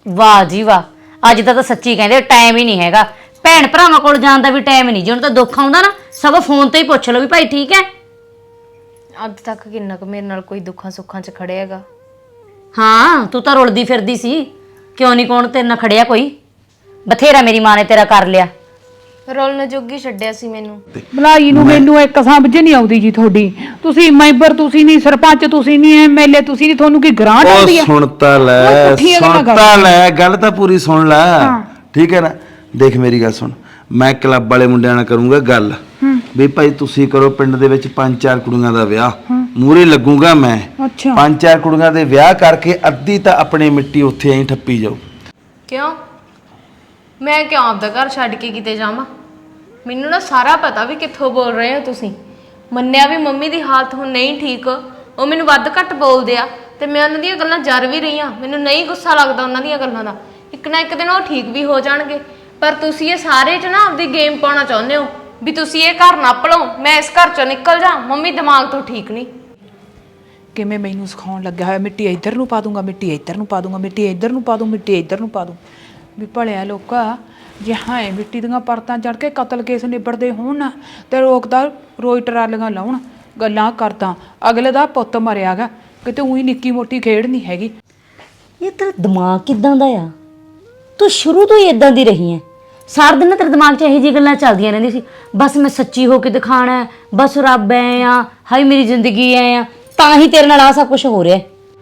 ਵਾਹ ਜੀ ਵਾਹ, ਅੱਜ ਤਾਂ ਸੱਚੀ ਕਹਿੰਦੇ ਟਾਈਮ ਹੀ ਨਹੀਂ ਹੈਗਾ। ਭੈਣ ਭਰਾਵਾਂ ਕੋਲ ਜਾਣ ਦਾ ਵੀ ਟਾਈਮ ਨਹੀਂ। ਜਿਹਨੂੰ ਤਾਂ ਦੁੱਖ ਆਉਂਦਾ ਨਾ ਸਗੋਂ ਫੋਨ ਤੇ ਹੀ ਪੁੱਛ ਲਓ ਵੀ ਭਾਈ ਠੀਕ ਹੈ। ਅੱਜ ਤੱਕ ਕਿੰਨਾ ਕੁ ਮੇਰੇ ਨਾਲ ਕੋਈ ਦੁੱਖਾਂ ਸੁੱਖਾਂ 'ਚ ਖੜਿਆ ਹੈਗਾ। ਹਾਂ ਤੂੰ ਤਾਂ ਰੁਲਦੀ ਫਿਰਦੀ ਸੀ, ਕਿਉਂ ਨਹੀਂ ਕੌਣ ਤੇਰੇ ਨਾਲ ਖੜਿਆ ਕੋਈ? ਬਥੇਰਾ ਮੇਰੀ ਮਾਂ ਨੇ ਤੇਰਾ ਕਰ ਲਿਆ। ਰੋਲਣ ਜੋਗੀ ਛੱਡਿਆ ਸੀ ਮੈਨੂੰ। ਭਲਾਈ ਨੂੰ ਮੈਨੂੰ ਇੱਕ ਸਮਝ ਨਹੀਂ ਆਉਂਦੀ ਜੀ ਤੁਹਾਡੀ। ਤੁਸੀਂ ਮੈਂਬਰ ਤੁਸੀਂ ਨਹੀਂ, ਸਰਪੰਚ ਤੁਸੀਂ ਨਹੀਂ, ਐਮਐਲਏ ਤੁਸੀਂ ਨਹੀਂ, ਤੁਹਾਨੂੰ ਕੀ ਗ੍ਰਾਂਟ ਆਉਂਦੀ ਹੈ? ਸੁਣਤਾ ਲੈ ਗੱਲ ਤਾਂ ਪੂਰੀ ਸੁਣ ਲੈ। ਠੀਕ ਹੈ ਨਾ, ਦੇਖ ਮੇਰੀ ਗੱਲ ਸੁਣ, ਮੈਂ ਕਲੱਬ ਵਾਲੇ ਮੁੰਡਿਆਂ ਨਾਲ ਕਰੂੰਗਾ ਗੱਲ ਵੀ ਭਾਈ ਤੁਸੀਂ ਕਰੋ ਪਿੰਡ ਦੇ ਵਿੱਚ 5-4 ਕੁੜੀਆਂ ਦਾ ਵਿਆਹ, ਮੂਹਰੇ ਲੱਗੂਗਾ ਮੈਂ। ਅੱਛਾ 5-4 ਕੁੜੀਆਂ ਦੇ ਵਿਆਹ ਕਰਕੇ ਅੱਧੀ ਤਾਂ ਆਪਣੀ ਮਿੱਟੀ ਉੱਥੇ ਐਂ ਠੱਪੀ ਜਾਓ। ਕਿਉਂ? ਮੈਂ ਕਿਉਂ ਆਪਦਾ ਘਰ ਛੱਡ ਕੇ ਕਿਤੇ ਜਾਵਾਂ? ਮੈਨੂੰ ਨਾ ਸਾਰਾ ਪਤਾ ਵੀ ਕਿੱਥੋਂ ਬੋਲ ਰਹੇ ਹੋ ਤੁਸੀਂ। ਮੰਨਿਆ ਵੀ ਮੰਮੀ ਦੀ ਹਾਲਤ ਹੁਣ ਨਹੀਂ ਠੀਕ, ਉਹ ਮੈਨੂੰ ਵੱਧ ਘੱਟ ਬੋਲਦੇ ਆ ਤੇ ਮੈਂ ਉਹਨਾਂ ਦੀਆਂ ਗੱਲਾਂ ਜਰ ਵੀ ਰਹੀ ਹਾਂ। ਮੈਨੂੰ ਨਹੀਂ ਗੁੱਸਾ ਲੱਗਦਾ ਉਹਨਾਂ ਦੀਆਂ ਗੱਲਾਂ ਦਾ। ਇੱਕ ਨਾ ਇੱਕ ਦਿਨ ਉਹ ਠੀਕ ਵੀ ਹੋ ਜਾਣਗੇ। ਪਰ ਤੁਸੀਂ ਇਹ ਸਾਰੇ 'ਚ ਨਾ ਆਪਦੀ ਗੇਮ ਪਾਉਣਾ ਚਾਹੁੰਦੇ ਹੋ ਵੀ ਤੁਸੀਂ ਇਹ ਘਰ ਨੱਪ ਲਓ, ਮੈਂ ਇਸ ਘਰ 'ਚੋਂ ਨਿਕਲ ਜਾ। ਮੰਮੀ ਦਿਮਾਗ ਤੋਂ ਠੀਕ ਨਹੀਂ। ਕਿਵੇਂ ਮੈਨੂੰ ਸਿਖਾਉਣ ਲੱਗਾ ਹੋਇਆ, ਮਿੱਟੀ ਇੱਧਰ ਨੂੰ ਪਾ ਦੂੰਗਾ, ਮਿੱਟੀ ਇੱਧਰ ਨੂੰ ਪਾ ਦੂੰਗਾ, ਮਿੱਟੀ ਇੱਧਰ ਨੂੰ ਪਾ ਦੂੰ, ਮਿੱਟੀ ਇੱਧਰ ਨੂੰ ਪਾ ਦੂੰ। ਵੀ ਭਲਿਆ ਲੋਕਾ, ਜੇ ਹਾਂ ਮਿੱਟੀ ਦੀਆਂ ਪਰਤਾਂ ਚੜ ਕੇ ਕਤਲ ਕੇਸ ਨਿਬੜਦੇ ਹੋਣ ਨਾ ਤੇ ਰੋਕਦਾ ਰੋਈ ਟਰਾਲੀਆਂ ਲਾਉਣ ਗੱਲਾਂ ਕਰਦਾ। ਅਗਲੇ ਦਾ ਪੁੱਤ ਮਰਿਆਗਾ, ਕਿਤੇ ਉਹੀ ਨਿੱਕੀ ਮੋਟੀ ਖੇਡ ਨਹੀਂ ਹੈਗੀ। ਇਹ ਤੇਰਾ ਦਿਮਾਗ ਕਿਦਾਂ ਦਾ ਆ? ਤੂੰ ਸ਼ੁਰੂ ਤੋਂ ਹੀ ਇਦਾਂ ਦੀ ਰਹੀ ਹੈ। ਸਾਰਾ ਦਿਨ ਨਾ ਤੇਰੇ ਦਿਮਾਗ 'ਚ ਇਹੋ ਜਿਹੀ ਗੱਲਾਂ ਚੱਲਦੀਆਂ ਰਹਿੰਦੀਆਂ ਸੀ, ਬਸ ਮੈਂ ਸੱਚੀ ਹੋ ਕੇ ਦਿਖਾਣਾ ਹੈ, ਬਸ ਰੱਬ ਐ ਆ, ਹਾਈ ਮੇਰੀ ਜ਼ਿੰਦਗੀ ਐ ਆ, ਤਾਂ ਹੀ ਤੇਰੇ ਨਾਲ ਆ ਸਭ ਕੁਝ ਹੋ ਰਿਹਾ।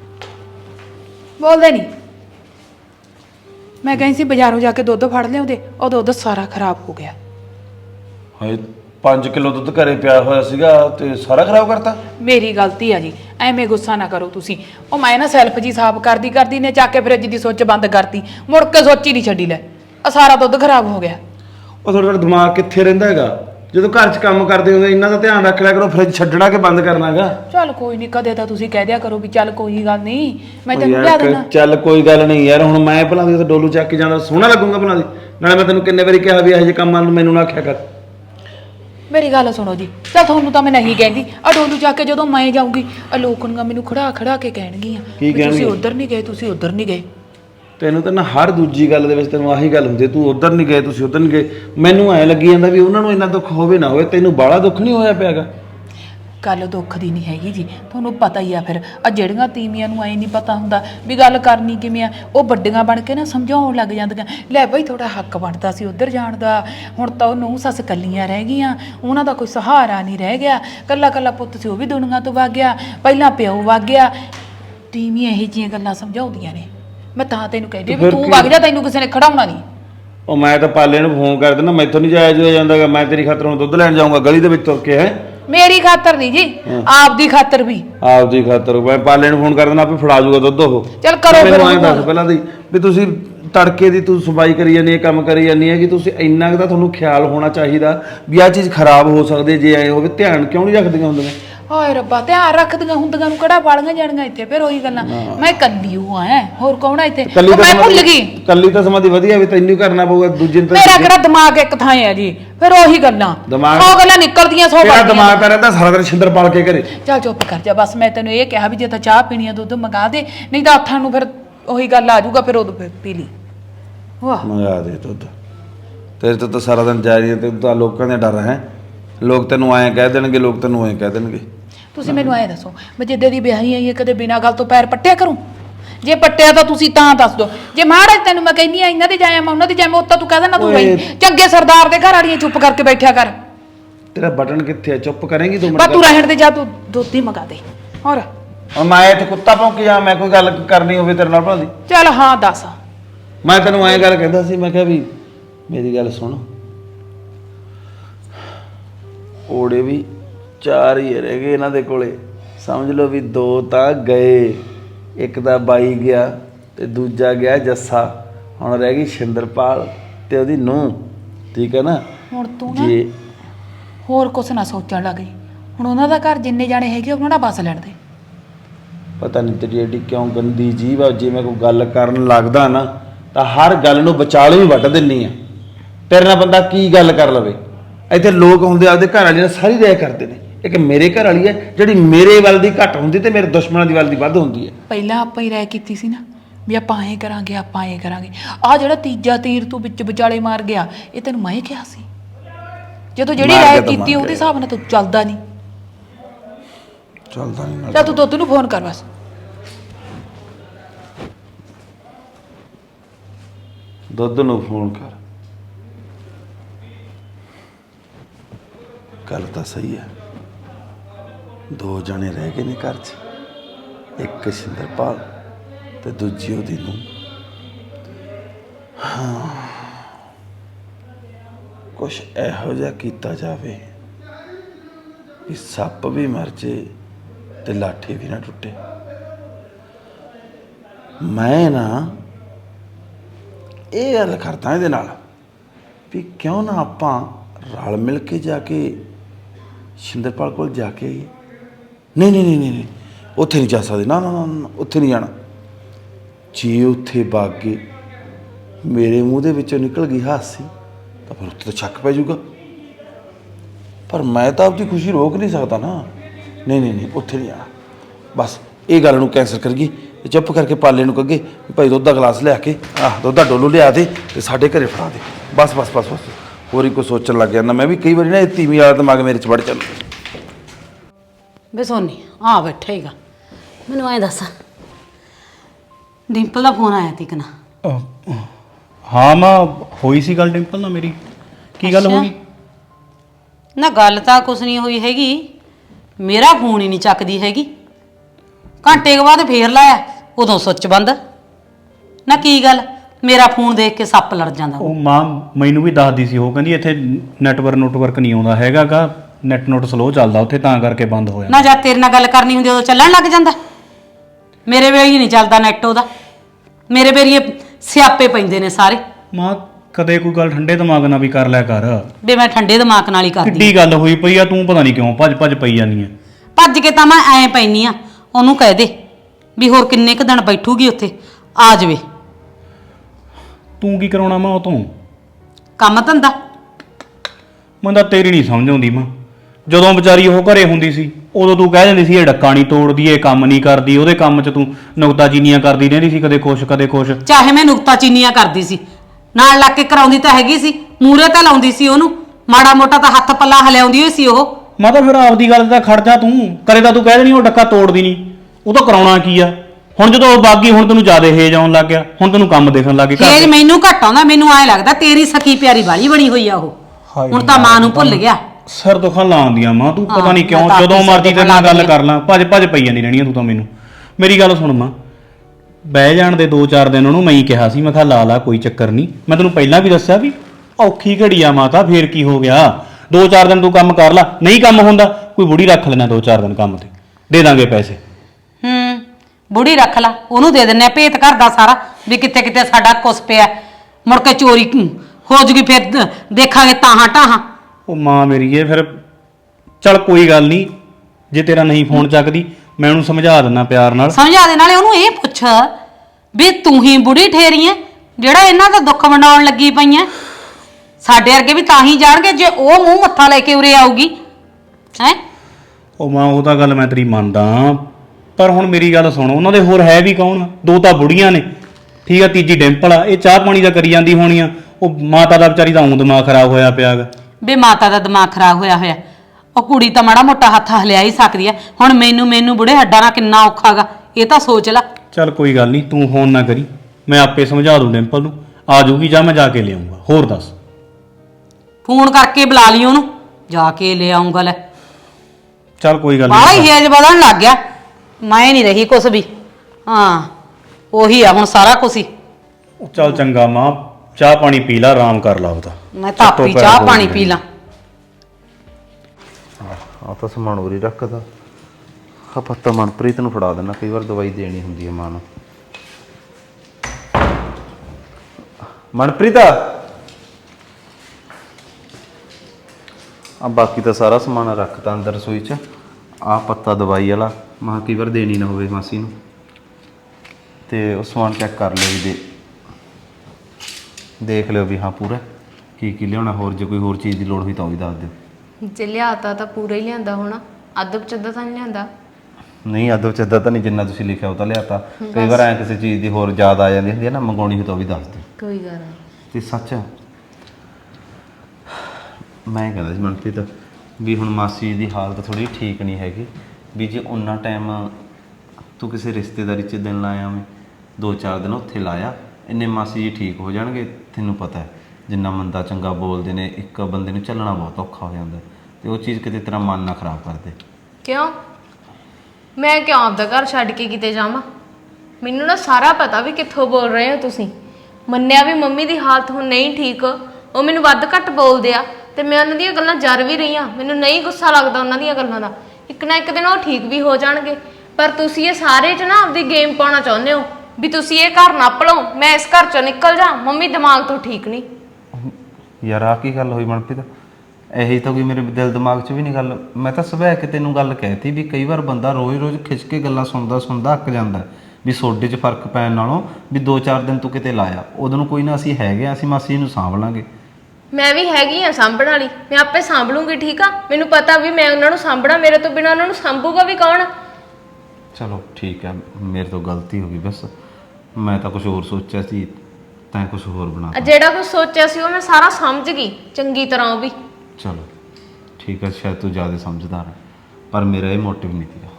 ਬੋਲਦੇ ਨਹੀਂ। ਮੈਂ ਕਹੀਂ ਸੀ ਬਾਜ਼ਾਰੋਂ ਜਾ ਕੇ ਦੁੱਧ ਫੜ ਲਿਆਉਂਦੇ, ਉਹ ਦੁੱਧ ਸਾਰਾ ਖਰਾਬ ਹੋ ਗਿਆ। ਹਾਏ 5 ਕਿਲੋ ਦੁੱਧ ਘਰੇ ਪਿਆ ਹੋਇਆ ਸੀਗਾ ਤੇ ਸਾਰਾ ਖਰਾਬ ਕਰਤਾ। ਮੇਰੀ ਗਲਤੀ ਆ ਜੀ, ਐਵੇਂ ਗੁੱਸਾ ਨਾ ਕਰੋ ਤੁਸੀਂ। ਉਹ ਮੈਂ ਨਾ ਸੈਲਫ ਜੀ ਸਾਫ਼ ਕਰਦੀ ਨੇ ਚੱਕ ਕੇ ਫਰਿੱਜ ਦੀ ਸੁੱਚ ਬੰਦ ਕਰਤੀ, ਮੁੜ ਕੇ ਸੁੱਚ ਹੀ ਨਹੀਂ ਛੱਡੀ। ਲੈ ਆ ਸਾਰਾ ਦੁੱਧ ਖਰਾਬ ਹੋ ਗਿਆ। ਉਹ ਤੁਹਾਡਾ ਦਿਮਾਗ ਕਿੱਥੇ ਰਹਿੰਦਾ ਹੈਗਾ? ਜਦੋਂ ਘਰ 'ਚ ਕੰਮ ਕਰਦੇ ਹੁੰਦੇ ਇਹਨਾਂ ਦਾ ਧਿਆਨ ਰੱਖ ਲਿਆ ਕਰੋ, ਫਰਿੱਜ ਛੱਡਣਾ ਕਿ ਬੰਦ ਕਰਨਾਗਾ। ਚੱਲ ਕੋਈ ਨਹੀਂ, ਕਦੇ ਤਾਂ ਤੁਸੀਂ ਕਹਿ ਦਿਆ ਕਰੋ ਵੀ ਚੱਲ ਕੋਈ ਗੱਲ ਨਹੀਂ, ਮੈਂ ਤੈਨੂੰ ਲਿਆ ਦੇਣਾ। ਚੱਲ ਕੋਈ ਗੱਲ ਨਹੀਂ ਯਾਰ, ਹੁਣ ਮੈਂ ਭਲਾ ਦੀ ਡੋਲੂ ਚੱਕ ਕੇ ਜਾਂਦਾ ਸੋਹਣਾ ਲੱਗੂਗਾ ਭਲਾ ਦੀ? ਨਾਲੇ ਮੈਂ ਤੈਨੂੰ ਕਿੰਨੇ ਵਾਰੀ ਕਿਹਾ ਵੀ ਇਹੋ ਜਿਹੇ ਕੰਮਾਂ ਨੂੰ ਮੈਨੂੰ ਨਾ ਆਖਿਆ ਕਰ। ਮੇਰੀ ਗੱਲ ਸੁਣੋ ਜੀ, ਤਾਂ ਤੁਹਾਨੂੰ ਤਾਂ ਮੈਂ ਨਹੀਂ ਕਹਿੰਦੀ। ਆ ਡੋਲੂ ਜਾ ਕੇ ਜਦੋਂ ਮੈਂ ਜਾਊਂਗੀ, ਆ ਲੋਕਣੀਆਂ ਮੈਨੂੰ ਖੜਾ ਕੇ ਕਹਿਣਗੀਆਂ ਵੀ ਤੁਸੀਂ ਉੱਧਰ ਨਹੀਂ ਗਏ, ਤੁਸੀਂ ਉੱਧਰ ਨਹੀਂ ਗਏ। ਤੈਨੂੰ ਤਾਂ ਨਾ ਹਰ ਦੂਜੀ ਗੱਲ ਦੇ ਵਿੱਚ ਤੈਨੂੰ ਆਹੀ ਗੱਲ ਹੁੰਦੀ, ਤੂੰ ਉੱਧਰ ਨਹੀਂ ਗਏ, ਤੁਸੀਂ ਉੱਧਰ ਨਹੀਂ ਗਏ। ਮੈਨੂੰ ਐਂ ਲੱਗੀ ਜਾਂਦਾ ਵੀ ਉਹਨਾਂ ਨੂੰ ਇੰਨਾ ਦੁੱਖ ਹੋਵੇ ਨਾ ਹੋਵੇ, ਤੈਨੂੰ ਬਾਹਲਾ ਦੁੱਖ ਨਹੀਂ ਹੋਇਆ ਪਿਆਗਾ। ਗੱਲ ਦੁੱਖ ਦੀ ਨਹੀਂ ਹੈਗੀ ਜੀ, ਤੁਹਾਨੂੰ ਪਤਾ ਹੀ ਆ। ਫਿਰ ਆ ਜਿਹੜੀਆਂ ਤੀਵੀਆਂ ਨੂੰ ਐ ਨਹੀਂ ਪਤਾ ਹੁੰਦਾ ਵੀ ਗੱਲ ਕਰਨੀ ਕਿਵੇਂ ਆ, ਉਹ ਵੱਡੀਆਂ ਬਣ ਕੇ ਨਾ ਸਮਝਾਉਣ ਲੱਗ ਜਾਂਦੀਆਂ। ਲੈ ਬਈ ਤੁਹਾਡਾ ਹੱਕ ਬਣਦਾ ਸੀ ਉੱਧਰ ਜਾਣ ਦਾ, ਹੁਣ ਤਾਂ ਉਹ ਨੂੰਹ ਸੱਸ ਕੱਲੀਆਂ ਰਹਿ ਗਈਆਂ, ਉਹਨਾਂ ਦਾ ਕੋਈ ਸਹਾਰਾ ਨਹੀਂ ਰਹਿ ਗਿਆ। ਕੱਲਾ ਕੱਲਾ ਪੁੱਤ ਸੀ, ਉਹ ਵੀ ਦੁਨੀਆ ਤੋਂ ਵਗ ਗਿਆ, ਪਹਿਲਾਂ ਪਿਓ ਵਗ ਗਿਆ। ਤੀਵੀਆਂ ਇਹੋ ਜਿਹੀਆਂ ਗੱਲਾਂ ਸਮਝਾਉਂਦੀਆਂ ਨੇ। ਮੈਂ ਤਾਂ ਤੈਨੂੰ ਕਹਿੰਦੀ ਵੀ ਤੂੰ ਵਗ ਜਾ, ਤੈਨੂੰ ਕਿਸੇ ਨੇ ਖੜਾਉਣਾ ਨਹੀਂ। ਉਹ ਮੈਂ ਤਾਂ ਪਾਲੇ ਨੂੰ ਫੋਨ ਕਰ ਦਿੰਦਾ, ਮੈਥੋਂ ਨਹੀਂ ਜਾਇਆ ਜਾਂਦਾਗਾ। ਮੈਂ ਤੇਰੀ ਖਾਤਰ ਹੁਣ ਦੁੱਧ ਲੈਣ ਜਾਊਂਗਾ ਗਲੀ ਦੇ ਵਿੱਚ ਤੁਰ ਕੇ। ਹੈ ਮੇਰੀ ਖਾਤਰ ਨਹੀਂ ਜੀ, ਆਪਦੀ ਖਾਤਰ ਵੀ। ਆਪਦੀ ਖਾਤਰ ਮੈਂ ਪਾਲੇ ਨੂੰ ਫੋਨ ਕਰ ਦਿੰਦਾ, ਆਪੇ ਫੜਾ ਜੂਗਾ ਦੁੱਧ ਉਹ। ਚੱਲ ਕਰੋ ਫਿਰ। ਮੈਨੂੰ ਐਂ ਦੱਸ ਪਹਿਲਾਂ ਦੀ ਵੀ ਤੁਸੀਂ ਤੜਕੇ ਦੀ ਤੂੰ ਸਫਾਈ ਕਰੀ ਜਾਂਦੀ ਹੈ, ਕੰਮ ਕਰੀ ਜਾਂਦੀ ਹੈ, ਕਿ ਤੁਸੀਂ ਇੰਨਾ ਕੁ ਤਾਂ ਤੁਹਾਨੂੰ ਖਿਆਲ ਹੋਣਾ ਚਾਹੀਦਾ ਵੀ ਆਹ ਚੀਜ਼ ਖਰਾਬ ਹੋ ਸਕਦੀ ਜੇ ਐਂ ਹੋਵੇ। ਧਿਆਨ ਕਿਉਂ ਨਹੀਂ ਰੱਖਦੀਆਂ ਹੁੰਦੀਆਂ? ਹਾਏ ਰੱਬਾ, ਧਿਆਨ ਰੱਖਦੀਆਂ ਹੁੰਦੀਆਂ ਨੂੰ ਕਿਹੜਾ ਵਾਲੀਆਂ ਜਾਣੀਆਂ ਇੱਥੇ। ਫਿਰ ਉਹੀ ਗੱਲਾਂ, ਮੈਂ ਕੱਲੀ ਹੂੰ ਐ, ਹੋਰ ਕੌਣ ਆ ਇੱਥੇ? ਮੈਂ ਭੁੱਲ ਗਈ। ਕੱਲੀ ਤਾਂ ਸਮਾਂ ਦੀ ਵਧੀਆ ਵੀ ਤੈਨੂੰ ਕਰਨਾ ਪਊਗਾ, ਦੂਜੇ ਨੂੰ ਮੇਰਾ ਕਿਹੜਾ ਦਿਮਾਗ ਇੱਕ ਥਾਂ ਹੈ ਜੀ? ਫਿਰ ਉਹੀ ਗੱਲਾਂ, ਸੌ ਗੱਲਾਂ ਨਿਕਲਦੀਆਂ, ਸੌ ਤੇਰਾ ਦਿਮਾਗ ਤਾਂ ਰਹਿੰਦਾ ਸਾਰਾ ਦਿਨ ਛਿੰਦਰ ਪਾਲ ਕੇ ਘਰੇ। ਚੱਲ ਚੁੱਪ ਕਰ ਜਾ ਬਸ। ਮੈਂ ਤੈਨੂੰ ਇਹ ਕਿਹਾ ਵੀ ਜੇ ਤਾਂ ਚਾਹ ਪੀਣੀ ਆ ਦੁੱਧ ਮੰਗਾ ਦੇ, ਨਹੀਂ ਤਾਂ ਹੱਥਾਂ ਨੂੰ ਫਿਰ ਉਹੀ ਗੱਲ ਆ ਜਾਊਗਾ, ਫਿਰ ਉਦੋਂ ਫਿਰ ਪੀ ਲਈ। ਵਾਹ ਮੰਗਾ ਦੇ ਦੁੱਧ। ਤੇਰੇ ਤੋਂ ਤਾਂ ਸਾਰਾ ਦਿਨ ਜਾਰੀ ਹੈ, ਤੇ ਤਾਂ ਲੋਕਾਂ ਦੇ ਡਰ ਹੈ। ਲੋਕ ਤੈਨੂੰ ਐਂ ਕਹਿ ਦੇਣਗੇ, ਲੋਕ ਤੈਨੂੰ ਐਂ ਕਹਿ ਦੇਣਗੇ। ਤੁਸੀਂ ਮੈਨੂੰ ਐਂ ਦੱਸੋ, ਮੈਂ ਜਿੱਦੇ ਦੀ ਵਿਆਹੀ ਆਈ ਹੈ ਕਦੇ ਬਿਨਾਂ ਗੱਲ ਤੋਂ ਪੈਰ ਪੱਟਿਆ ਕਰੂੰ? ਜੇ ਪੱਟਿਆ ਤਾਂ ਤੁਸੀਂ ਤਾਂ ਦੱਸ ਦਿਓ। ਜੇ ਮਾੜਾ ਤੈਨੂੰ ਮੈਂ ਕਹਿੰਦੀ ਆ ਇਹਨਾਂ ਦੇ ਜਾਇਆ ਮੈਂ ਉਹਨਾਂ ਦੀ ਜਾਇਆ, ਉਹ ਤਾਂ ਤੂੰ ਕਹਿ ਦੇਣਾ ਤੂੰ ਰਹੀ ਚੰਗੇ ਸਰਦਾਰ ਦੇ ਘਰ ਵਾਲੀਆਂ ਚੁੱਪ ਕਰਕੇ ਬੈਠਿਆ ਕਰ। ਤੇਰਾ ਬਟਨ ਕਿੱਥੇ ਹੈ? ਚੁੱਪ ਕਰੇਂਗੀ 2 ਮਿੰਟ? ਬਾ ਤੂੰ ਰਹਿਣ ਦੇ, ਜਾ ਤੂੰ ਦੁੱਧ ਹੀ ਮੰਗਾ ਦੇ। ਹੋਰ ਮੈਂ ਇੱਥੇ ਕੁੱਤਾ ਭੌਂਕੀ ਜਾ, ਮੈਂ ਕੋਈ ਗੱਲ ਕਰਨੀ ਹੋਵੇ ਤੇਰੇ ਨਾਲ ਭਾਂਦੀ? ਚੱਲ ਹਾਂ ਦੱਸ। ਮੈਂ ਤੈਨੂੰ ਐਂ ਗੱਲ ਕਹਿੰਦਾ ਸੀ, ਮੈਂ ਕਿਹਾ ਵੀ ਮੇਰੀ ਗੱਲ ਸੁਣ, ਓੜੇ ਵੀ 4 ਹੀ ਰਹਿ ਗਏ ਇਹਨਾਂ ਦੇ ਕੋਲੇ। ਸਮਝ ਲਓ ਵੀ 2 ਤਾਂ ਗਏ, ਇੱਕ ਦਾ ਬਾਈ ਗਿਆ ਤੇ ਦੂਜਾ ਗਿਆ ਜੱਸਾ। ਹੁਣ ਰਹਿ ਗਈ ਸ਼ਿੰਦਰਪਾਲ ਤੇ ਉਹਦੀ ਨੂੰਹ। ਠੀਕ ਹੈ ਨਾ? ਹੁਣ ਤੂੰ ਨਾ ਹੋਰ ਕੁਛ ਨਾ ਸੋਚਣ ਲੱਗ ਗਈ। ਹੁਣ ਉਹਨਾਂ ਦਾ ਘਰ ਜਿੰਨੇ ਜਾਣੇ ਹੈਗੇ ਉਹਨਾਂ ਦਾ ਬਸ ਲੈਣ ਦੇ। ਪਤਾ ਨਹੀਂ ਤੇਰੀ ਐਡੀ ਕਿਉਂ ਗੰਦੀ ਜੀਭ ਆ, ਜੇ ਮੈਂ ਕੋਈ ਗੱਲ ਕਰਨ ਲੱਗਦਾ ਨਾ ਤਾਂ ਹਰ ਗੱਲ ਨੂੰ ਵਿਚਾਲੇ ਹੀ ਵੱਢ ਦਿੰਨੀ ਆ। ਤੇਰੇ ਨਾਲ ਬੰਦਾ ਕੀ ਗੱਲ ਕਰ ਲਵੇ? ਇੱਥੇ ਲੋਕ ਹੁੰਦੇ ਆਪਦੇ ਘਰ ਵਾਲੀ ਨਾਲ ਸਾਰੀ ਰਹਿ ਕਰਦੇ ਨੇ। ਇੱਕ ਮੇਰੇ ਘਰ ਵਾਲੀ ਹੈ ਜਿਹੜੀ ਮੇਰੇ ਵੱਲ ਦੀ ਘੱਟ ਹੁੰਦੀ ਤੇ ਮੇਰੇ ਦੁਸ਼ਮਣਾਂ ਦੀ ਵੱਲ ਦੀ ਵੱਧ ਹੁੰਦੀ ਹੈ। ਪਹਿਲਾਂ ਆਪਾਂ ਹੀ ਰਾਇ ਕੀਤੀ ਸੀ ਨਾ ਵੀ ਆਪਾਂ ਐਂ ਕਰਾਂਗੇ ਆਪਾਂ ਐਂ ਕਰਾਂਗੇ। ਆ ਜਿਹੜਾ ਤੀਜਾ ਤੀਰ ਤੂੰ ਵਿੱਚ ਵਿਚਾਲੇ ਮਾਰ ਗਿਆ, ਇਹ ਤੈਨੂੰ ਮੈਂ ਕਿਹਾ ਸੀ ਜਦੋਂ ਜਿਹੜੀ ਮਾਰ ਕੇ ਰਾਏ ਤਾਂ ਕੀਤੀ ਮਾਰ ਉਹਦੇ ਕੇ। ਹਿਸਾਬ ਨਾਲ ਤੂੰ ਚੱਲਦਾ ਨਹੀਂ। ਚੱਲਦਾ ਨਹੀਂ ਚੱਲ ਤੂੰ ਦੁੱਧ ਨੂੰ ਫੋਨ ਕਰ ਬਸ। ਦੁੱਧ ਨੂੰ ਫੋਨ ਕਰ। ਗੱਲ ਤਾਂ ਸਹੀ ਹੈ, 2 ਜਣੇ ਰਹਿ ਗਏ ਨੇ ਘਰ 'ਚ, ਇੱਕ ਸ਼ਿੰਦਰਪਾਲ ਤੇ ਦੂਜੀ ਉਹਦੀ ਨੂੰ। ਕੁਛ ਇਹੋ ਜਿਹਾ ਕੀਤਾ ਜਾਵੇ ਵੀ ਸੱਪ ਵੀ ਮਰ ਜੇ ਤੇ ਲਾਠੀ ਵੀ ਨਾ ਟੁੱਟੇ। ਮੈਂ ਨਾ ਇਹ ਗੱਲ ਕਰਦਾ ਇਹਦੇ ਨਾਲ ਵੀ ਕਿਉਂ ਨਾ ਆਪਾਂ ਰਲ ਮਿਲ ਕੇ ਜਾ ਕੇ ਸ਼ਿੰਦਰਪਾਲ ਕੋਲ ਜਾ ਕੇ ਆਈਏ। ਨਹੀਂ, ਉੱਥੇ ਨਹੀਂ ਜਾ ਸਕਦੇ, ਨਾ, ਉੱਥੇ ਨਹੀਂ ਜਾਣਾ। ਜੇ ਉੱਥੇ ਵਗ ਗਏ, ਮੇਰੇ ਮੂੰਹ ਦੇ ਵਿੱਚੋਂ ਨਿਕਲ ਗਈ ਹਾਸੀ, ਤਾਂ ਫਿਰ ਉੱਥੇ ਤਾਂ ਸ਼ੱਕ ਪੈ ਜਾਊਗਾ। ਪਰ ਮੈਂ ਤਾਂ ਆਪਦੀ ਖੁਸ਼ੀ ਰੋਕ ਨਹੀਂ ਸਕਦਾ ਨਾ। ਨਹੀਂ, ਉੱਥੇ ਨਹੀਂ ਜਾਣਾ। ਬਸ ਇਹ ਗੱਲ ਨੂੰ ਕੈਂਸਲ ਕਰੀਏ ਤੇ ਚੁੱਪ ਕਰਕੇ ਪਾਲੇ ਨੂੰ ਕਹੀਏ ਵੀ ਭਾਈ ਦੁੱਧ ਦਾ ਗਲਾਸ ਲਿਆ ਕੇ ਦੁੱਧ ਦਾ ਡੋਲੂ ਲਿਆ ਦੇ ਤੇ ਸਾਡੇ ਘਰੇ ਫੜਾ ਦੇ। ਬਸ ਹੋਰ ਹੀ ਕੁਛ ਸੋਚਣ ਲੱਗ ਜਾਂਦਾ ਮੈਂ ਵੀ। ਕਈ ਵਾਰੀ ਨਾ ਇਹ ਤੀਵੀਂ ਵਾਲਾ ਦਿਮਾਗ ਮੇਰੇ 'ਚ ਵੜ ਜਾਂਦਾ। ਵੇ ਸੋਨੀ ਆ ਬੈਠਾ ਹੀਗਾ। ਮੈਨੂੰ ਐਂ ਦੱਸ, ਡਿੰਪਲ ਦਾ ਫੋਨ ਆਇਆ ਤੀ ਕਿ ਨਾ? ਹਾਂ ਮਾਂ, ਹੋਈ ਸੀ ਗੱਲ ਡਿੰਪਲ ਨਾਲ ਮੇਰੀ। ਕੀ ਗੱਲ ਹੋ ਗਈ? ਨਾ ਗੱਲ ਤਾਂ ਕੁਛ ਨਹੀਂ ਹੋਈ ਹੈਗੀ, ਮੇਰਾ ਫੋਨ ਹੀ ਨਹੀਂ ਚੱਕਦੀ ਹੈਗੀ। ਘੰਟੇ ਕੁ ਬਾਅਦ ਫੇਰ ਲਾਇਆ, ਉਦੋਂ ਸੁੱਚ ਬੰਦ। ਨਾ ਕੀ ਗੱਲ, ਮੇਰਾ ਫੋਨ ਦੇਖ ਕੇ ਸੱਪ ਲੜ ਜਾਂਦਾ। ਉਹ ਮਾਂ ਮੈਨੂੰ ਵੀ ਦੱਸਦੀ ਸੀ, ਉਹ ਕਹਿੰਦੀ ਇੱਥੇ ਨੈਟਵਰਕ ਨਹੀਂ ਆਉਂਦਾ ਹੈਗਾਗਾ, ਨੈਟ ਸਲੋ ਚੱਲਦਾ ਉੱਥੇ, ਤਾਂ ਕਰਕੇ ਬੰਦ ਹੋਇਆ। ਨਾ ਜਦ ਤੇਰੇ ਨਾਲ ਗੱਲ ਕਰਨੀ ਹੁੰਦੀ ਉਦੋਂ ਚੱਲਣ ਲੱਗ ਜਾਂਦਾ। ਮੇਰੇ ਵੇਲੇ ਹੀ ਨਹੀਂ ਚੱਲਦਾ ਨੈਟ ਉਹਦਾ, ਮੇਰੇ ਵੇਲੇ ਸਿਆਪੇ ਪੈਂਦੇ ਨੇ ਸਾਰੇ। ਮਾਂ ਕਦੇ ਕੋਈ ਗੱਲ ਠੰਡੇ ਦਿਮਾਗ ਨਾਲ ਵੀ ਕਰ ਲਿਆ ਕਰ। ਵੀ ਮੈਂ ਠੰਡੇ ਦਿਮਾਗ ਨਾਲ ਹੀ ਕਰਦੀ। ਕਿੱਡੀ ਗੱਲ ਹੋਈ ਪਈ ਆ, ਤੂੰ ਪਤਾ ਨਹੀਂ ਕਿਉਂ ਭੱਜ ਪਈ ਜਾਂਦੀ ਆ। ਭੱਜ ਕੇ ਤਾਂ ਮੈਂ ਐਂ ਪੈਣੀ ਆ, ਉਹਨੂੰ ਕਹਿ ਦੇ ਵੀ ਹੋਰ ਕਿੰਨੇ ਕੁ ਦਿਨ ਬੈਠੂਗੀ ਉੱਥੇ, ਆ ਜਾਵੇ। ਤੂੰ ਕੀ ਕਰਾਉਣਾ ਮਾਂ ਉਹ ਤੋਂ? ਕੰਮ ਧੰਦਾ। ਮੈਨੂੰ ਤਾਂ ਤੇਰੀ ਨਹੀਂ ਸਮਝ ਆਉਂਦੀ ਮਾਂ। ਜਦੋਂ ਵਿਚਾਰੀ ਉਹ ਘਰੇ ਹੁੰਦੀ ਸੀ ਉਦੋਂ ਤੂੰ ਕਹਿ ਦਿੰਦੀ ਸੀ ਇਹ ਡੱਕਾ ਨਹੀਂ ਤੋੜਦੀ, ਇਹ ਕੰਮ ਨਹੀਂ ਕਰਦੀ, ਉਹਦੇ ਕੰਮ 'ਚ ਤੂੰ ਨੁਕਤਾਚੀਨੀਆਂ ਕਰਦੀ ਰਹਿੰਦੀ ਸੀ, ਕਦੇ ਕੁਛ। ਚਾਹੇ ਮੈਂ ਨੁਕਤਾ ਚੀਨੀਆਂ ਕਰਦੀ ਸੀ, ਨਾਲ ਲੱਗ ਕੇ ਕਰਾਉਂਦੀ ਤਾਂ ਹੈਗੀ ਸੀ, ਮੂਰੇ ਤਾਂ ਲਾਉਂਦੀ ਸੀ ਉਹਨੂੰ, ਮਾੜਾ ਮੋਟਾ ਤਾਂ ਹੱਥ ਪੱਲਾ ਹਲਿਆਉਂਦੀ ਹੋਈ ਸੀ ਉਹ। ਮੈਂ ਤਾਂ ਫਿਰ ਆਪਦੀ ਗੱਲ ਤਾਂ ਖੜ ਜਾ ਤੂੰ। ਕਰੇ ਤਾਂ ਤੂੰ ਕਹਿ ਦੇਣੀ ਉਹ ਡੱਕਾ ਤੋੜਦੀ ਨਹੀਂ, ਉਹ ਤਾਂ ਕਰਾਉਣਾ ਕੀ ਆ। ਹੁਣ ਜਦੋਂ ਉਹ ਬਾਗੀ, ਹੁਣ ਤੈਨੂੰ ਜ਼ਿਆਦਾ ਹੇਜ ਆਉਣ ਲੱਗ ਗਿਆ, ਹੁਣ ਤੈਨੂੰ ਕੰਮ ਦੇਖਣ ਲੱਗ ਗਿਆ। ਹੇਜ ਮੈਨੂੰ ਘੱਟ ਆਉਂਦਾ, ਮੈਨੂੰ ਐਂ ਲੱਗਦਾ ਤੇਰੀ ਸਕੀ ਪਿਆਰੀ ਵਾਲੀ ਬਣੀ ਹੋਈ ਆ ਉਹ। ਹੁਣ ਤਾਂ ਮਾਂ ਨੂੰ ਭੁੱਲ ਗਿਆ। ਸਿਰ ਦੁਖਣ ਲਾਉਂਦੀਆਂ ਮਾਂ ਤੂੰ, ਪਤਾ ਨਹੀਂ ਕਿਉਂ ਮੈਂ ਤਾਂ ਜਦੋਂ ਆਪੇ ਮਰਜ਼ੀ ਸਿਰ ਤੇਰੇ ਨਾਲ ਦੁਖਣ ਗੱਲ ਕਰ ਲਾਂ ਭੱਜ ਪਈ ਜਾਂਦੀ ਰਹਿਣੀ ਆ ਤੂੰ ਤਾਂ ਮੈਨੂੰ। ਮੇਰੀ ਗੱਲ ਸੁਣ ਮਾਂ, ਬਹਿ ਜਾਣ ਦੇ 2-4 ਦਿਨ ਉਹਨੂੰ ਮੈਂ ਹੀ ਕਿਹਾ ਸੀ, ਮੈਂ ਕਿਹਾ ਲਾ ਕੋਈ ਚੱਕਰ ਨਹੀਂ। ਮੈਂ ਤੈਨੂੰ ਪਹਿਲਾਂ ਵੀ ਦੱਸਿਆ ਵੀ ਔਖੀ ਘੜੀ ਆ ਮਾਤਾ, ਫੇਰ ਕੀ ਹੋ ਗਿਆ, 2-4 ਦਿਨ ਤੂੰ ਕੰਮ ਕਰ ਲਾ। ਨਹੀਂ ਕੰਮ ਹੁੰਦਾ ਕੋਈ ਬੁੜੀ ਰੱਖ ਲੈਣਾ 2-4 ਦਿਨ ਕੰਮ ਤੇ, ਦੇ ਦਾਂਗੇ ਪੈਸੇ। ਬੁੜੀ ਰੱਖ ਲਾ, ਉਹਨੂੰ ਦੇ ਦਿੰਨੇ ਆ ਭੇਤ ਘਰ ਦਾ ਸਾਰਾ, ਵੀ ਕਿਤੇ ਕਿਤੇ ਸਾਡਾ ਕੁਸ ਪਿਆ, ਮੁੜ ਕੇ ਚੋਰੀ ਹੋ ਜੂਗੀ, ਫਿਰ ਦੇਖਾਂਗੇ ਤਾਹਾਂ ਢਾਹਾਂ। ਉਹ ਮਾਂ ਮੇਰੀ ਇਹ ਫਿਰ ਚੱਲ ਕੋਈ ਗੱਲ ਨਹੀਂ, ਜੇ ਤੇਰਾ ਨਹੀਂ ਫੋਨ ਚੱਕਦੀ ਮੈਂ ਉਹਨੂੰ ਸਮਝਾ ਦਿੰਦਾ ਪਿਆਰ ਨਾਲ। ਸਮਝਾ ਦੇ, ਨਾਲੇ ਉਹਨੂੰ ਇਹ ਪੁੱਛ ਵੀ ਤੂੰ ਹੀ ਬੁੜੀ ਠੇਰੀ ਐ ਜਿਹੜਾ ਇਹਨਾਂ ਦਾ ਦੁੱਖ ਵੰਡਾਉਣ ਲੱਗੀ ਪਈ ਐ। ਸਾਡੇ ਵਰਗੇ ਵੀ ਤਾਂ ਹੀ ਜਾਣਗੇ ਜੇ ਉਹ ਮੂੰਹ ਮੱਥਾ ਲੈ ਕੇ ਉਰੇ ਆਊਗੀ ਹੈ। ਉਹ ਮਾਂ ਉਹ ਤਾਂ ਗੱਲ ਮੈਂ ਤੇਰੀ ਮੰਨਦਾ, ਪਰ ਹੁਣ ਮੇਰੀ ਗੱਲ ਸੁਣ, ਉਹਨਾਂ ਦੇ ਹੋਰ ਹੈ ਵੀ ਕੌਣ? 2 ਤਾਂ ਬੁੜੀਆਂ ਨੇ, ਠੀਕ ਆ, ਤੀਜੀ ਡਿੰਪਲ ਆ, ਇਹ ਚਾਹ ਪਾਣੀ ਦਾ ਕਰੀ ਜਾਂਦੀ ਹੋਣੀ ਆ। ਉਹ ਮਾਤਾ ਦਾ ਵਿਚਾਰੀ ਦਾ ਦਿਮਾਗ ਖਰਾਬ ਹੋਇਆ ਪਿਆ ਗਾ। ਬੇ ਮਾਤਾ ਦਾ ਦਿਮਾਗ ਖਰਾਬ ਹੋਇਆ ਉਹ ਕੁੜੀ ਤਾਂ ਮਾੜਾ ਮੋਟਾ ਹੱਥ ਹਲਿਆ ਹੀ ਸਕਦੀ ਐ। ਹੁਣ ਮੈਨੂੰ ਬੁੜੇ ਹੱਡਾਂ ਨਾਲ ਕਿੰਨਾ ਔਖਾ ਗਾ, ਇਹ ਤਾਂ ਸੋਚ ਲੈ। ਚੱਲ ਕੋਈ ਗੱਲ ਨਹੀਂ, ਤੂੰ ਫੋਨ ਨਾ ਕਰੀ, ਮੈਂ ਆਪੇ ਸਮਝਾ ਦੂੰ ਡਿੰਪਲ ਨੂੰ, ਆ ਜਾਊਗੀ ਜਾਂ ਮੈਂ ਜਾ ਕੇ ਲਿਆਉਂਗਾ। ਹੋਰ ਦੱਸ। ਫੋਨ ਕਰਕੇ ਬੁਲਾ ਲਈ ਉਹਨੂੰ, ਜਾ ਕੇ ਲੈ ਆਉਂਗਾ। ਲੈ ਚੱਲ ਕੋਈ ਗੱਲ ਬਾਹਲਾ ਹੀ ਨਹੀਂ। ਹੇਜ ਵਧਣ ਲੱਗ ਗਿਆ, ਮੈਂ ਨਹੀਂ ਰਹੀ ਕੁਛ ਵੀ। ਹਾਂ ਉਹੀ ਆ ਹੁਣ ਸਾਰਾ ਕੁਛ ਹੀ। ਚੱਲ ਚੰਗਾ ਮਾਂ, ਚਾਹ ਪਾਣੀ ਪੀ ਲਾ, ਆਰਾਮ ਕਰ ਲਾ ਉਹਦਾ। ਮੈਂ ਤਾਂ ਆਪੀ ਚਾਹ ਪਾਣੀ ਪੀ ਲਾਂ। ਆ ਤਾਂ ਸਮਾਨ ਉਰੀ ਰੱਖਦਾ, ਆ ਪੱਤਾ ਮਨਪ੍ਰੀਤ ਨੂੰ ਫੜਾ ਦੇਣਾ, ਕਈ ਵਾਰ ਦਵਾਈ ਦੇਣੀ ਹੁੰਦੀ ਹੈ ਮਾਂ ਨੂੰ। ਮਨਪ੍ਰੀਤ ਆ ਬਾਕੀ ਤਾਂ ਸਾਰਾ ਸਮਾਨ ਰੱਖਤਾ ਅੰਦਰ ਰਸੋਈ 'ਚ। ਆ ਪੱਤਾ ਦਵਾਈ ਵਾਲਾ, ਮਾਂ ਕਈ ਵਾਰ ਦੇਣੀ ਨਾ ਹੋਵੇ ਮਾਸੀ ਨੂੰ, ਤੇ ਉਹ ਸਮਾਨ ਚੈੱਕ ਕਰ ਲਿਓ ਵੀ ਦੇਖ ਲਿਓ ਵੀ ਹਾਂ ਪੂਰਾ ਕੀ ਲਿਆਉਣਾ। ਹੋਰ ਜੇ ਕੋਈ ਹੋਰ ਚੀਜ਼ ਦੀ ਲੋੜ ਹੋਈ ਤਾਂ ਉਹ ਵੀ ਦੱਸ ਦਿਓ। ਜੇ ਲਿਆਤਾ ਤਾਂ ਪੂਰਾ ਹੀ ਲਿਆਂਦਾ ਹੋਣਾ, ਅੱਧ ਪਚੱਧਾ ਤਾਂ ਨਹੀਂ ਲਿਆਂਦਾ। ਨਹੀਂ ਅੱਧੋ ਚ ਅੱਧਾ ਤਾਂ ਨਹੀਂ, ਜਿੰਨਾ ਤੁਸੀਂ ਲਿਖਿਆ ਉਹ ਤਾਂ ਲਿਆਤਾ। ਕਈ ਵਾਰ ਐ ਕਿਸੇ ਚੀਜ਼ ਦੀ ਹੋਰ ਯਾਦ ਆ ਜਾਂਦੀ ਹੁੰਦੀ ਹੈ ਨਾ, ਮੰਗਾਉਣੀ ਹੋ ਤਾਂ ਉਹ ਵੀ ਦੱਸ ਦੇ। ਕੋਈ ਗੱਲ ਨਹੀਂ। ਤੇ ਸੱਚ ਮੈਂ ਕਹਿੰਦਾ ਸੀ ਮਨਪ੍ਰੀਤ ਵੀ ਹੁਣ ਮਾਸੀ ਦੀ ਹਾਲਤ ਥੋੜੀ ਠੀਕ ਨਹੀਂ ਹੈਗੀ, ਵੀ ਜੇ ਉਹਨਾਂ ਟਾਈਮ ਤੂੰ ਕਿਸੇ ਰਿਸ਼ਤੇਦਾਰੀ 'ਚ ਦਿਨ ਲਾਇਆ ਮੈਂ 2-4 ਦਿਨ ਉੱਥੇ ਲਾਇਆ, ਇੰਨੇ ਮਾਸੀ ਜੀ ਠੀਕ ਹੋ ਜਾਣਗੇ। ਤੈਨੂੰ ਪਤਾ ਹੈ ਜਿੰਨਾ ਮੰਦਾ ਚੰਗਾ ਬੋਲਦੇ ਨੇ, ਇੱਕ ਬੰਦੇ ਨੂੰ ਚੱਲਣਾ ਬਹੁਤ ਔਖਾ ਹੋ ਜਾਂਦਾ, ਤੇ ਉਹ ਚੀਜ਼ ਕਿਤੇ ਤੇਰਾ ਮਨ ਨਾ ਖਰਾਬ ਕਰਦੇ। ਕਿਉਂ? ਮੈਂ ਕਿਉਂ ਆਪਦਾ ਘਰ ਛੱਡ ਕੇ ਕਿਤੇ ਜਾਵਾਂ? ਮੈਨੂੰ ਨਾ ਸਾਰਾ ਪਤਾ ਵੀ ਕਿੱਥੋਂ ਬੋਲ ਰਹੇ ਹੋ ਤੁਸੀਂ। ਮੰਨਿਆ ਵੀ ਮੰਮੀ ਦੀ ਹਾਲਤ ਹੁਣ ਨਹੀਂ ਠੀਕ, ਉਹ ਮੈਨੂੰ ਵੱਧ ਘੱਟ ਬੋਲਦੇ ਆ ਤੇ ਮੈਂ ਉਹਨਾਂ ਦੀਆਂ ਗੱਲਾਂ ਜਰ ਵੀ ਰਹੀ ਹਾਂ। ਮੈਨੂੰ ਨਹੀਂ ਗੁੱਸਾ ਲੱਗਦਾ ਉਹਨਾਂ ਦੀਆਂ ਗੱਲਾਂ ਦਾ, ਇੱਕ ਨਾ ਇੱਕ ਦਿਨ ਉਹ ਠੀਕ ਵੀ ਹੋ ਜਾਣਗੇ। ਪਰ ਤੁਸੀਂ ਇਹ ਸਾਰੇ 'ਚ ਨਾ ਆਪਦੀ ਗੇਮ ਪਾਉਣਾ ਚਾਹੁੰਦੇ ਹੋ ਵੀ ਤੁਸੀਂ ਇਹ ਘਰ ਨੱਪ ਲਓ, ਮੈਂ ਇਸ ਘਰ 'ਚੋਂ ਨਿਕਲ ਜਾ। ਮੰਮੀ ਦਿਮਾਗ ਤੋਂ ਠੀਕ ਨਹੀਂ। ਯਾਰ ਆਹ ਕੀ ਗੱਲ ਹੋਈ ਮਨਪ੍ਰੀਤ? ਇਹੀ ਤਾਂ ਕੋਈ ਮੇਰੇ ਦਿਲ ਦਿਮਾਗ 'ਚ ਵੀ ਨਹੀਂ ਗੱਲ। ਮੈਂ ਤਾਂ ਸਵੇਰ ਕੇ ਤੈਨੂੰ ਗੱਲ ਕਹਿਤੀ ਵੀ ਕਈ ਵਾਰ ਬੰਦਾ ਰੋਜ਼-ਰੋਜ਼ ਖਿੱਚ ਕੇ ਗੱਲਾਂ ਸੁਣਦਾ ਅੱਕ ਜਾਂਦਾ, ਵੀ ਸੋਡੇ 'ਚ ਫਰਕ ਪੈਣ ਨਾਲੋਂ ਵੀ 2-4 ਦਿਨ ਤੂੰ ਕਿਤੇ ਲਾਇਆ, ਉਦੋਂ ਨੂੰ ਕੋਈ ਨਾ ਅਸੀਂ ਹੈਗੇ ਆ, ਅਸੀਂ ਮਾਸੀ ਨੂੰ ਸਾਂਭ ਲਾਂਗੇ। ਮੈਂ ਵੀ ਹੈਗੀ ਆ ਸਾਂਭਣ ਵਾਲੀ, ਮੈਂ ਆਪੇ ਸਾਂਭ ਲੂੰਗੀ। ਠੀਕ ਆ, ਮੈਨੂੰ ਪਤਾ ਵੀ ਮੈਂ ਉਹਨਾਂ ਨੂੰ ਸਾਂਭਣਾ, ਮੇਰੇ ਤੋਂ ਬਿਨਾਂ ਉਹਨਾਂ ਨੂੰ ਸਾਂਭੂਗਾ ਵੀ ਕੌਣ? ਚਲੋ ਠੀਕ ਹੈ, ਮੇਰੇ ਤੋਂ ਗਲਤੀ ਹੋ ਗਈ ਬਸ। ਮੈਂ ਤਾਂ ਕੁਝ ਹੋਰ ਸੋਚਿਆ ਸੀ, ਤੈਂ ਕੁਝ ਹੋਰ ਬਣਾ ਤਾ। ਜਿਹੜਾ ਕੁਝ ਸੋਚਿਆ ਸੀ ਉਹ ਮੈਂ ਸਾਰਾ ਸਮਝ ਗਈ ਚੰਗੀ ਤਰ੍ਹਾਂ। ਉਹ ਵੀ ਚਲੋ ਠੀਕ ਹੈ, ਸ਼ਾਇਦ ਤੂੰ ਜ਼ਿਆਦਾ ਸਮਝਦਾਰ ਹੈ, ਪਰ ਮੇਰਾ ਇਹ ਮੋਟਿਵ ਨਹੀਂ ਸੀਗਾ।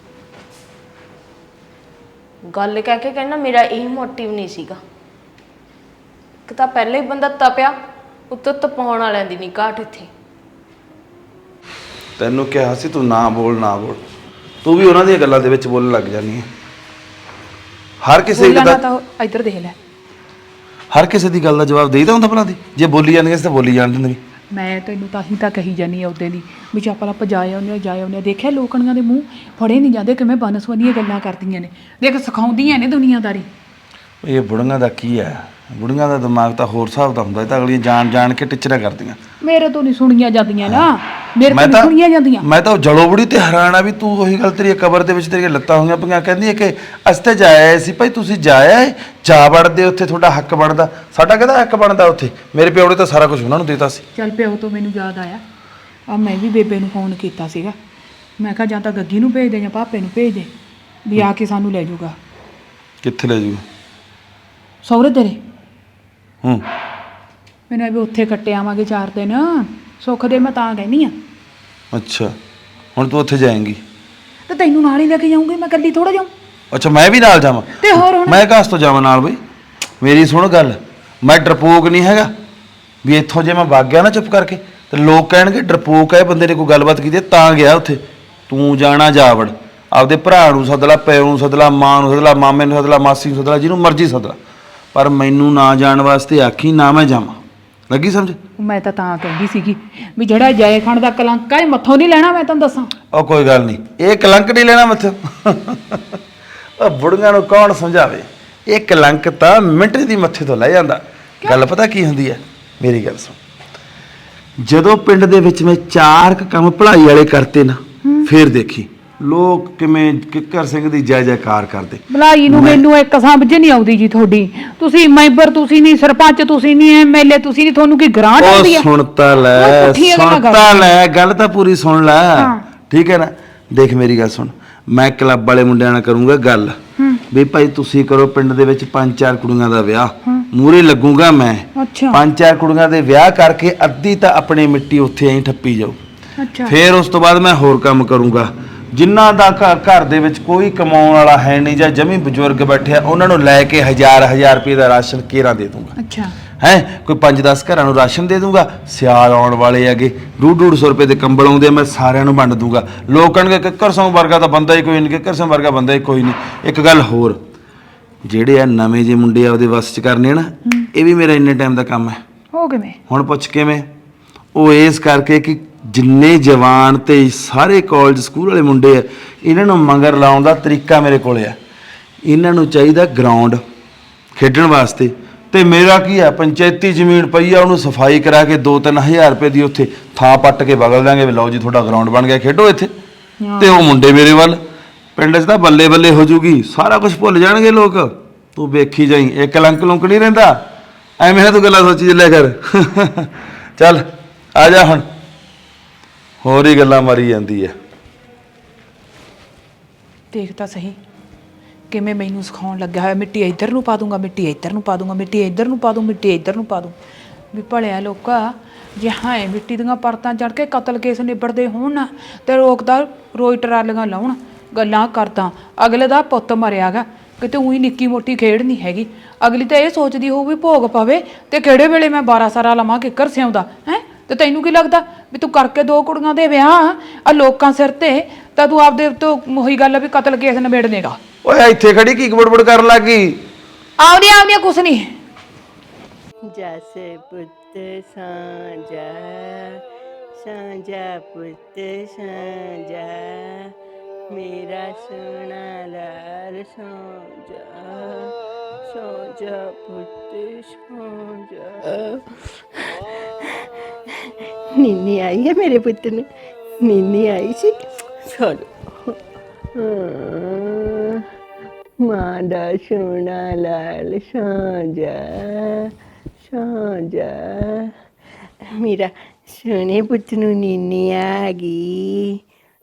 ਗੱਲ ਕਹਿ ਕੇ ਕਹਿੰਦਾ ਮੇਰਾ ਇਹ ਮੋਟਿਵ ਨਹੀਂ ਸੀਗਾ। ਇੱਕ ਤਾਂ ਪਹਿਲੇ ਹੀ ਬੰਦਾ ਤਪਿਆ, ਉੱਤੋਂ ਤਪਾਉਣ ਵਾਲਿਆਂ ਦੀ ਨਹੀਂ ਘਾਟ ਇੱਥੇ। ਤੈਨੂੰ ਕਿਹਾ ਸੀ ਤੂੰ ਨਾ ਬੋਲ ਨਾ ਬੋਲ, ਤੂੰ ਵੀ ਉਹਨਾਂ ਦੀਆਂ ਗੱਲਾਂ ਦੇ ਵਿੱਚ ਬੋਲਣ ਲੱਗ ਜਾਂਦੀ ਹੈ। ਹਰ ਕਿਸੇ ਬੋਲਣਾ ਦਾ ਤਾਂ ਇੱਧਰ ਦੇਖ ਲੈ, ਹਰ ਕਿਸੇ ਦੀ ਗੱਲ ਦਾ ਜਵਾਬ ਦੇਈਦਾ ਹੁੰਦਾ ਭਲਾ ਦੀ? ਜੇ ਬੋਲੀ ਜਾਂਦੀ ਸੀ ਤਾਂ ਬੋਲੀ ਜਾਣ ਦਿੰਦੀ। ਮੈਂ ਤੈਨੂੰ ਤਾਂ ਹੀ ਤਾਂ ਕਹੀ ਜਾਨੀ ਆ ਉਹਦੇ ਦੀ ਵੀ ਚੱਪਲ ਆਪਾਂ ਜਾਏ ਆਉਂਦੇ ਦੇਖਿਆ ਲੋਕਣੀਆਂ ਦੇ ਮੂੰਹ ਫੜੇ ਨਹੀਂ ਜਾਂਦੇ, ਕਿਵੇਂ ਬਨਸਵਨੀਆਂ ਗੱਲਾਂ ਕਰਦੀਆਂ ਨੇ, ਦੇਖ ਸਿਖਾਉਂਦੀਆਂ ਨੇ ਦੁਨੀਆਦਾਰੀ। ਇਹ ਬੁੜੀਆਂ ਦਾ ਕੀ ਹੈ? ਬੁੜੀਆਂ ਦਾ ਦਿਮਾਗ ਤਾਂ ਹੋਰ ਹਿਸਾਬ ਦਾ ਹੁੰਦਾ, ਇਹ ਤਾਂ ਅਗਲੀਆਂ ਜਾਣ ਕੇ ਟਿਚਰਾਂ ਕਰਦੀਆਂ। ਮੇਰੇ ਤੋਂ ਨਹੀਂ ਸੁਣੀਆਂ ਜਾਂਦੀਆਂ ਨਾ, ਮੇਰੇ ਤੋਂ ਮੈਂ ਨਹੀਂ ਤਾਂ ਸੁਣੀਆਂ ਜਾਂਦੀਆਂ। ਮੈਂ ਤਾਂ ਜਲੋ ਬੁੜੀ ਤੇ ਹੈਰਾਨ ਆ ਵੀ ਤੂੰ ਉਹੀ ਗੱਲ, ਤੇਰੀ ਕਬਰ ਦੇ ਵਿੱਚ ਤੇਰੀਆਂ ਲੱਤਾਂ ਹੋਈਆਂ ਪਈਆਂ, ਕਹਿੰਦੀ ਹੈ ਕਿ ਅਸੀਂ ਤਾਂ ਜਾਇਆ ਸੀ। ਭਾਈ ਤੁਸੀਂ ਜਾਇਆ ਏ, ਜਾ ਵੜਦੇ ਉੱਥੇ, ਤੁਹਾਡਾ ਹੱਕ ਬਣਦਾ। ਸਾਡਾ ਕਿਹਦਾ ਹੱਕ ਬਣਦਾ ਉੱਥੇ? ਮੇਰੇ ਪਿਓ ਨੇ ਤਾਂ ਸਾਰਾ ਕੁਝ ਉਹਨਾਂ ਨੂੰ ਦਿੱਤਾ ਸੀ। ਚੱਲ ਪਿਓ ਤੋਂ ਮੈਨੂੰ ਯਾਦ ਆਇਆ, ਆ ਮੈਂ ਵੀ ਬੇਬੇ ਨੂੰ ਫੋਨ ਕੀਤਾ ਸੀਗਾ। ਮੈਂ ਕਿਹਾ ਜਾਂ ਤਾਂ ਗੱਗੀ ਨੂੰ ਭੇਜ ਦੇ ਜਾਂ ਪਾਪੇ ਨੂੰ ਭੇਜ ਦੇ, ਵੀ ਆ ਕੇ ਸਾਨੂੰ ਲੈ ਜਾਊਗਾ। ਕਿੱਥੇ ਲੈ ਜੂ? ਸਹੁਰੇ ਤੇਰੇ। ਹੂੰ, ਮੈਨੂੰ ਵੀ ਉੱਥੇ ਕੱਟੇ ਆਵਾਂਗੇ 4 ਦਿਨ, ਸੁੱਖ ਦੇ ਮੈਂ ਤਾਂ ਕਹਿੰਦੀ ਆ। ਅੱਛਾ ਹੁਣ ਤੂੰ ਉੱਥੇ ਜਾਏਂਗੀ? ਤੇ ਤੈਨੂੰ ਨਾਲ ਹੀ ਲੈ ਕੇ ਜਾਊਂਗੀ, ਮੈਂ ਇਕੱਲੀ ਥੋੜਾ ਜਾਊਂ। ਅੱਛਾ ਮੈਂ ਵੀ ਨਾਲ ਜਾਵਾਂ? ਤੇ ਹੋਰ ਹੁਣ ਮੈਂ ਕਾਸ ਤੋਂ ਜਾਵਾਂ ਨਾਲ ਬਈ? ਮੇਰੀ ਸੁਣ ਗੱਲ, ਮੈਂ ਡਰਪੋਕ ਨਹੀਂ ਹੈਗਾ ਵੀ ਇੱਥੋਂ ਜੇ ਮੈਂ ਵਗ ਗਿਆ ਨਾ ਚੁੱਪ ਕਰਕੇ ਤੇ ਲੋਕ ਕਹਿਣਗੇ ਡਰਪੋਕ ਹੈ ਬੰਦੇ ਨੇ, ਕੋਈ ਗੱਲਬਾਤ ਕੀਤੀ ਤਾਂ ਗਿਆ ਉੱਥੇ। ਤੂੰ ਜਾਣਾ ਜਾ ਵੜ, ਆਪਦੇ ਭਰਾ ਨੂੰ ਸੱਦ ਲਾ, ਪਿਓ ਨੂੰ ਸੱਦ ਲਾ, ਮਾਂ ਨੂੰ ਸੱਦ ਲਾ, ਮਾਮੇ ਨੂੰ ਸੱਦ ਲਾ, ਮਾਸੀ ਨੂੰ ਸੱਦ ਲਾ, ਜਿਹਨੂੰ ਮਰਜ਼ੀ ਸੱਦ ਲਾ, ਪਰ ਮੈਨੂੰ ਨਾ ਜਾਣ ਵਾਸਤੇ ਆਖੀ ਨਾ ਮੈਂ ਜਾਵਾਂ। ਲੱਗੀ ਸਮਝ? ਮੈਂ ਤਾਂ ਕਹਿੰਦੀ ਸੀਗੀ ਵੀ ਜਿਹੜਾ ਜੈ ਖਾਨ ਦਾ ਕਲੰਕ ਹੈ ਮੱਥੋਂ ਨਹੀਂ ਲੈਣਾ। ਮੈਂ ਤੁਹਾਨੂੰ ਦੱਸਾਂ, ਉਹ ਕੋਈ ਗੱਲ ਨਹੀਂ, ਇਹ ਕਲੰਕ ਨਹੀਂ ਲੈਣਾ ਮੱਥੋਂ। ਉਹ ਬੁੜੀਆਂ ਨੂੰ ਕੌਣ ਸਮਝਾਵੇ, ਇਹ ਕਲੰਕ ਤਾਂ ਮਿੰਟ ਦੀ ਮੱਥੇ ਤੋਂ ਲੈ ਜਾਂਦਾ। ਗੱਲ ਪਤਾ ਕੀ ਹੁੰਦੀ ਹੈ? ਮੇਰੀ ਗੱਲ ਸੁਣ, ਜਦੋਂ ਪਿੰਡ ਦੇ ਵਿੱਚ ਮੈਂ 4 ਕੰਮ ਭਲਾਈ ਵਾਲੇ ਕਰਤੇ ਨਾ, ਫੇਰ ਦੇਖੀ ਲੋਕ ਕਿਵੇਂ ਕਿੱਕਰ ਸਿੰਘ ਦੀ ਜੈ ਜੈਕਾਰ ਕਰਦੇ। ਭਲਾਈ ਨੂੰ ਮੈਨੂੰ ਇੱਕ ਸਮਝ ਨਹੀਂ ਆਉਂਦੀ ਜੀ ਤੁਹਾਡੀ। ਤੁਸੀਂ ਮੈਂਬਰ ਤੁਸੀਂ ਨਹੀਂ, ਸਰਪੰਚ ਤੁਸੀਂ ਨਹੀਂ, ਐਮਐਲਏ ਤੁਸੀਂ ਨਹੀਂ, ਤੁਹਾਨੂੰ ਕੀ ਗ੍ਰਾਂਟ ਆਉਂਦੀ ਹੈ? ਉਹ ਸੁਣਤਾ ਲੈ, ਗੱਲ ਤਾਂ ਪੂਰੀ ਸੁਣ ਲੈ, ਠੀਕ ਹੈ ਨਾ? ਦੇਖ ਮੇਰੀ ਗੱਲ ਸੁਣ, ਮੈਂ ਕਲੱਬ ਵਾਲੇ ਮੁੰਡਿਆਂ ਨਾਲ ਕਰੂੰਗਾ ਗੱਲ ਵੀ ਭਾਈ ਤੁਸੀਂ ਕਰੋ ਪਿੰਡ ਦੇ ਵਿੱਚ 5-4 ਕੁੜੀਆਂ ਦਾ ਵਿਆਹ, ਮੂਹਰੇ ਲੱਗੂਗਾ ਮੈਂ। 5-4 ਕੁੜੀਆਂ ਦੇ ਵਿਆਹ ਕਰਕੇ ਅੱਧੀ ਤਾਂ ਆਪਣੀ ਮਿੱਟੀ ਉੱਥੇ ਐਂ ਠੱਪੀ ਜਾਓ। ਫਿਰ ਉਸ ਤੋਂ ਬਾਅਦ ਮੈਂ ਹੋਰ ਕੰਮ ਕਰੂੰਗਾ। ਜਿਨ੍ਹਾਂ ਦਾ ਘਰ ਦੇ ਵਿੱਚ ਕੋਈ ਕਮਾਉਣ ਵਾਲਾ ਹੈ ਨਹੀਂ ਜਾਂ ਜਮੀ ਬਜ਼ੁਰਗ ਬੈਠਿਆ, ਉਹਨਾਂ ਨੂੰ ਲੈ ਕੇ 1000 ਰੁਪਏ ਦਾ ਰਾਸ਼ਨ ਕੇਰਾਂ ਦੇ ਦੂੰਗਾ। ਹੈ ਕੋਈ 5-10 ਘਰਾਂ ਨੂੰ ਰਾਸ਼ਨ ਦੇ ਦੂੰਗਾ। ਸਿਆਲ ਆਉਣ ਵਾਲੇ ਹੈਗੇ, 150-150 ਰੁਪਏ ਦੇ ਕੰਬਲ ਆਉਂਦੇ, ਮੈਂ ਸਾਰਿਆਂ ਨੂੰ ਵੰਡ ਦੂੰਗਾ। ਲੋਕ ਕਹਿਣਗੇ ਕਿੱਕਰ ਸਿੰਘ ਵਰਗਾ ਤਾਂ ਬੰਦਾ ਹੀ ਕੋਈ ਨਹੀਂ, ਕਿੱਕਰ ਸਿੰਘ ਵਰਗਾ ਬੰਦਾ ਹੀ ਕੋਈ ਨਹੀਂ। ਇੱਕ ਗੱਲ ਹੋਰ, ਜਿਹੜੇ ਆ ਨਵੇਂ ਜਿਹੇ ਮੁੰਡੇ ਆ ਉਹਦੇ ਵੱਸ 'ਚ ਕਰਨੇ ਨਾ, ਇਹ ਵੀ ਮੇਰਾ ਇੰਨੇ ਟਾਈਮ ਦਾ ਕੰਮ ਹੈ। ਉਹ ਕਿਵੇਂ? ਹੁਣ ਪੁੱਛ ਕਿਵੇਂ? ਉਹ ਇਸ ਕਰਕੇ ਕਿ ਜਿੰਨੇ ਜਵਾਨ ਤੇ ਸਾਰੇ ਕਾਲਜ ਸਕੂਲ ਵਾਲੇ ਮੁੰਡੇ ਆ, ਇਹਨਾਂ ਨੂੰ ਮੰਗਰ ਲਾਉਣ ਦਾ ਤਰੀਕਾ ਮੇਰੇ ਕੋਲ ਆ। ਇਹਨਾਂ ਨੂੰ ਚਾਹੀਦਾ ਗਰਾਊਂਡ ਖੇਡਣ ਵਾਸਤੇ, ਤੇ ਮੇਰਾ ਕੀ ਆ, ਪੰਚਾਇਤੀ ਜ਼ਮੀਨ ਪਈ ਆ, ਉਹਨੂੰ ਸਫਾਈ ਕਰਾ ਕੇ 2-3 ਹਜ਼ਾਰ ਰੁਪਏ ਦੀ ਉੱਥੇ ਥਾਂ ਪੱਟ ਕੇ ਬਗਲ ਦਾਂਗੇ, ਵੀ ਲਓ ਜੀ ਤੁਹਾਡਾ ਗਰਾਊਂਡ ਬਣ ਗਿਆ, ਖੇਡੋ ਇੱਥੇ। ਤੇ ਉਹ ਮੁੰਡੇ ਮੇਰੇ ਵੱਲ, ਪਿੰਡ 'ਚ ਤਾਂ ਬੱਲੇ ਬੱਲੇ ਹੋ ਜੂਗੀ, ਸਾਰਾ ਕੁਝ ਭੁੱਲ ਜਾਣਗੇ ਲੋਕ। ਤੂੰ ਵੇਖੀ ਜਾਈ, ਇਹ ਕਲੰਕ ਲੁੰਕ ਨਹੀਂ ਰਹਿੰਦਾ। ਐਵੇਂ ਨਾ ਤੂੰ ਗੱਲਾਂ ਸੋਚੀ ਚੱਲਿਆ ਕਰ। ਚੱਲ ਆ ਜਾ ਹੁਣ, ਹੋਰ ਹੀ ਗੱਲਾਂ ਮਾਰੀ ਜਾਂਦੀ ਹੈ। ਦੇਖ ਤਾਂ ਸਹੀ ਕਿਵੇਂ ਮੈਨੂੰ ਸਿਖਾਉਣ ਲੱਗਿਆ ਹੋਇਆ, ਮਿੱਟੀ ਇੱਧਰ ਨੂੰ ਪਾ ਦੂੰਗਾ, ਮਿੱਟੀ ਇੱਧਰ ਨੂੰ ਪਾ ਦੂੰਗਾ, ਮਿੱਟੀ ਇੱਧਰ ਨੂੰ ਪਾ ਦੂੰ, ਮਿੱਟੀ ਇੱਧਰ ਨੂੰ ਪਾ ਦੂੰ। ਵੀ ਭਲਿਆ ਲੋਕਾ, ਜੇ ਹਾਂ ਮਿੱਟੀ ਦੀਆਂ ਪਰਤਾਂ ਚੜ੍ਹ ਕੇ ਕਤਲ ਕੇਸ ਨਿਬੜਦੇ ਹੋਣ ਨਾ ਤੇ ਰੋਕਦਾ ਰੋਈ ਟਰਾਲੀਆਂ ਲਾਉਣ ਗੱਲਾਂ ਕਰਦਾ। ਅਗਲੇ ਦਾ ਪੁੱਤ ਮਰਿਆਗਾ, ਕਿਤੇ ਉਹੀ ਨਿੱਕੀ ਮੋਟੀ ਖੇਡ ਨਹੀਂ ਹੈਗੀ। ਅਗਲੀ ਤਾਂ ਇਹ ਸੋਚਦੀ ਹੋਊ ਵੀ ਭੋਗ ਪਵੇ ਤੇ ਕਿਹੜੇ ਵੇਲੇ ਮੈਂ 12 ਸਾਰਾ ਲਵਾਂ ਕਿੱਕਰ ਸਿਆਉਂਦਾ ਹੈ। ਤੇ ਤੈਨੂੰ ਕੀ ਲੱਗਦਾ ਵੀ ਤੂੰ ਕਰਕੇ 2 ਕੁੜੀਆਂ ਦੇ ਵਿਆਹ ਆ ਲੋਕਾਂ ਸਿਰ ਤੇ, ਤਾਂ ਤੂੰ ਆਪਦੇ ਤੋਂ ਉਹੀ ਗੱਲ ਆ ਵੀ ਕਤਲ ਕੇਸ ਨਿਬੇੜ ਦੇਗਾ। ਓਏ ਇੱਥੇ ਖੜੀ ਕੀ ਬੜਬੜ ਕਰਨ ਲੱਗੀ? ਆਉਂਦੀਆਂ ਕੁਛ ਨਹੀਂ। ਜੈਸੇ ਪੁੱਤ ਸਾਂਝਾ ਸਾਂਝਾ ਪੁੱਤ ਸਾਂਝਾ ਮੇਰਾ ਸੋਹਣਾ ਲਾਲ ਸਾਂਝਾ ਸਾਂਝਾ ਪੁੱਤ ਸਾਂਝਾ। ਨੀਨੀ ਆਈ ਹੈ ਮੇਰੇ ਪੁੱਤ ਨੂੰ, ਨੀਨੀ ਆਈ ਸੀ। ਚਲੋ ਮਾਂ ਦਾ ਸੋਹਣਾ ਲਾਲ ਸਾਂਝਾ ਸਾਂਝਾ ਮੇਰਾ ਸੋਹਣੇ ਪੁੱਤ ਨੂੰ ਨੀਨੀ ਆ ਗਈ।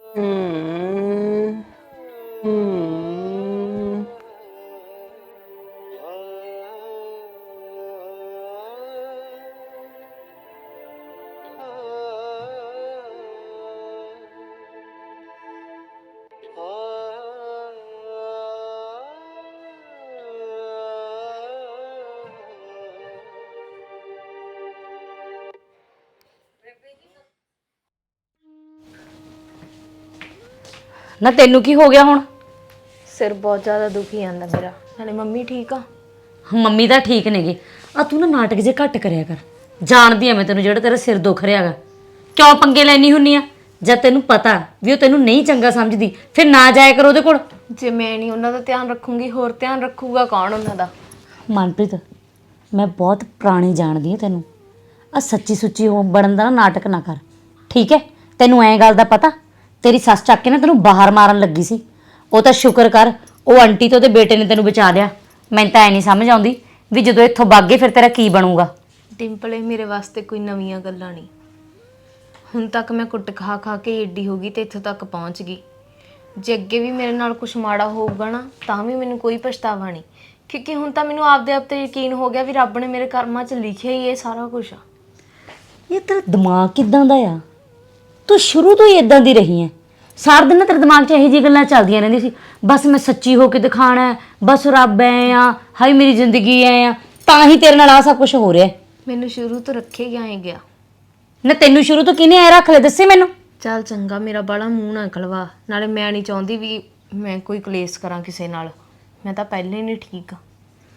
ਨਾ ਤੈਨੂੰ ਕੀ ਹੋ ਗਿਆ ਹੁਣ? ਸਿਰ ਬਹੁਤ ਜ਼ਿਆਦਾ ਦੁਖੀ ਜਾਂਦਾ ਮੇਰਾ। ਨਾਲੇ ਮੰਮੀ ਠੀਕ ਆ? ਮੰਮੀ ਤਾਂ ਠੀਕ ਨੇਗੇ। ਆ ਤੂੰ ਨਾ ਨਾਟਕ ਜੇ ਘੱਟ ਕਰਿਆ ਕਰ। ਜਾਣਦੀ ਆ ਮੈਂ ਤੈਨੂੰ, ਜਿਹੜਾ ਤੇਰਾ ਸਿਰ ਦੁਖ ਰਿਹਾਗਾ। ਕਿਉਂ ਪੰਗੇ ਲੈਣੀ ਹੁੰਨੀ ਆ? ਜਦ ਤੈਨੂੰ ਪਤਾ ਵੀ ਉਹ ਤੈਨੂੰ ਨਹੀਂ ਚੰਗਾ ਸਮਝਦੀ, ਫਿਰ ਨਾ ਜਾਇਆ ਕਰ ਉਹਦੇ ਕੋਲ। ਜੇ ਮੈਂ ਨਹੀਂ ਉਹਨਾਂ ਦਾ ਧਿਆਨ ਰੱਖੂੰਗੀ ਹੋਰ ਧਿਆਨ ਰੱਖੂਗਾ ਕੌਣ ਉਹਨਾਂ ਦਾ? ਮਨਪ੍ਰੀਤ, ਮੈਂ ਬਹੁਤ ਪੁਰਾਣੀ ਜਾਣਦੀ ਆ ਤੈਨੂੰ। ਆ ਸੱਚੀ ਸੁੱਚੀ ਉਹ ਬਣਨ ਦਾ ਨਾ ਨਾਟਕ ਨਾ ਕਰ, ਠੀਕ ਹੈ? ਤੈਨੂੰ ਐਂ ਗੱਲ ਦਾ ਪਤਾ, ਤੇਰੀ ਸੱਸ ਚੱਕ ਕੇ ਨਾ ਤੈਨੂੰ ਬਾਹਰ ਮਾਰਨ ਲੱਗੀ ਸੀ। ਉਹ ਤਾਂ ਸ਼ੁਕਰ ਕਰ ਉਹ ਆਂਟੀ ਤੇ ਉਹਦੇ ਬੇਟੇ ਨੇ ਤੈਨੂੰ ਬਚਾ ਲਿਆ। ਮੈਨੂੰ ਤਾਂ ਐ ਨਹੀਂ ਸਮਝ ਆਉਂਦੀ ਵੀ ਜਦੋਂ ਇੱਥੋਂ ਭਾਗੇ ਫਿਰ ਤੇਰਾ ਕੀ ਬਣੂਗਾ। ਡਿੰਪਲ, ਇਹ ਮੇਰੇ ਵਾਸਤੇ ਕੋਈ ਨਵੀਆਂ ਗੱਲਾਂ ਨਹੀਂ। ਹੁਣ ਤੱਕ ਮੈਂ ਕੁੱਟ ਖਾ ਖਾ ਕੇ ਏਡੀ ਹੋ ਗਈ ਤੇ ਇੱਥੋਂ ਤੱਕ ਪਹੁੰਚ ਗਈ। ਜੇ ਅੱਗੇ ਵੀ ਮੇਰੇ ਨਾਲ ਕੁਝ ਮਾੜਾ ਹੋਊਗਾ ਨਾ ਤਾਂ ਵੀ ਮੈਨੂੰ ਕੋਈ ਪਛਤਾਵਾ ਨਹੀਂ, ਕਿਉਂਕਿ ਹੁਣ ਤਾਂ ਮੈਨੂੰ ਆਪਦੇ ਆਪ ਤੇ ਯਕੀਨ ਹੋ ਗਿਆ ਵੀ ਰੱਬ ਨੇ ਮੇਰੇ ਕਰਮਾਂ 'ਚ ਲਿਖਿਆ ਹੀ ਇਹ ਸਾਰਾ ਕੁਝ ਆ। ਇਹ ਤੇਰਾ ਦਿਮਾਗ ਕਿੱਦਾਂ ਦਾ ਆ? ਤੂੰ ਸ਼ੁਰੂ ਤੋਂ ਹੀ ਇਦਾਂ ਦੀ ਰਹੀ ਹੈ। ਸਾਰਾ ਦਿਨ ਨਾ ਤੇਰੇ ਦਿਮਾਗ 'ਚ ਇਹੋ ਜਿਹੀ ਗੱਲਾਂ ਚੱਲਦੀਆਂ ਰਹਿੰਦੀਆਂ ਸੀ, ਬਸ ਮੈਂ ਸੱਚੀ ਹੋ ਕੇ ਦਿਖਾਣਾ, ਬਸ ਰੱਬ ਐ ਆ, ਹਾਈ ਮੇਰੀ ਜ਼ਿੰਦਗੀ ਐ ਆ, ਤਾਂ ਹੀ ਤੇਰੇ ਨਾਲ ਆ ਸਭ ਕੁਝ ਹੋ ਰਿਹਾ। ਮੈਨੂੰ ਸ਼ੁਰੂ ਤੋਂ ਰੱਖੇ ਗਿਆ। ਨਾ ਤੈਨੂੰ ਸ਼ੁਰੂ ਤੋਂ ਕਿਹਨੇ ਐ ਰੱਖ ਲਿਆ, ਦੱਸੇ ਮੈਨੂੰ। ਚੱਲ ਚੰਗਾ, ਮੇਰਾ ਬਾਲਾ ਮੂੰਹ ਨਾ ਖਲਵਾ। ਨਾਲੇ ਮੈਂ ਨਹੀਂ ਚਾਹੁੰਦੀ ਵੀ ਮੈਂ ਕੋਈ ਕਲੇਸ਼ ਕਰਾਂ ਕਿਸੇ ਨਾਲ। ਮੈਂ ਤਾਂ ਪਹਿਲਾਂ ਹੀ ਨਹੀਂ ਠੀਕ ਆ।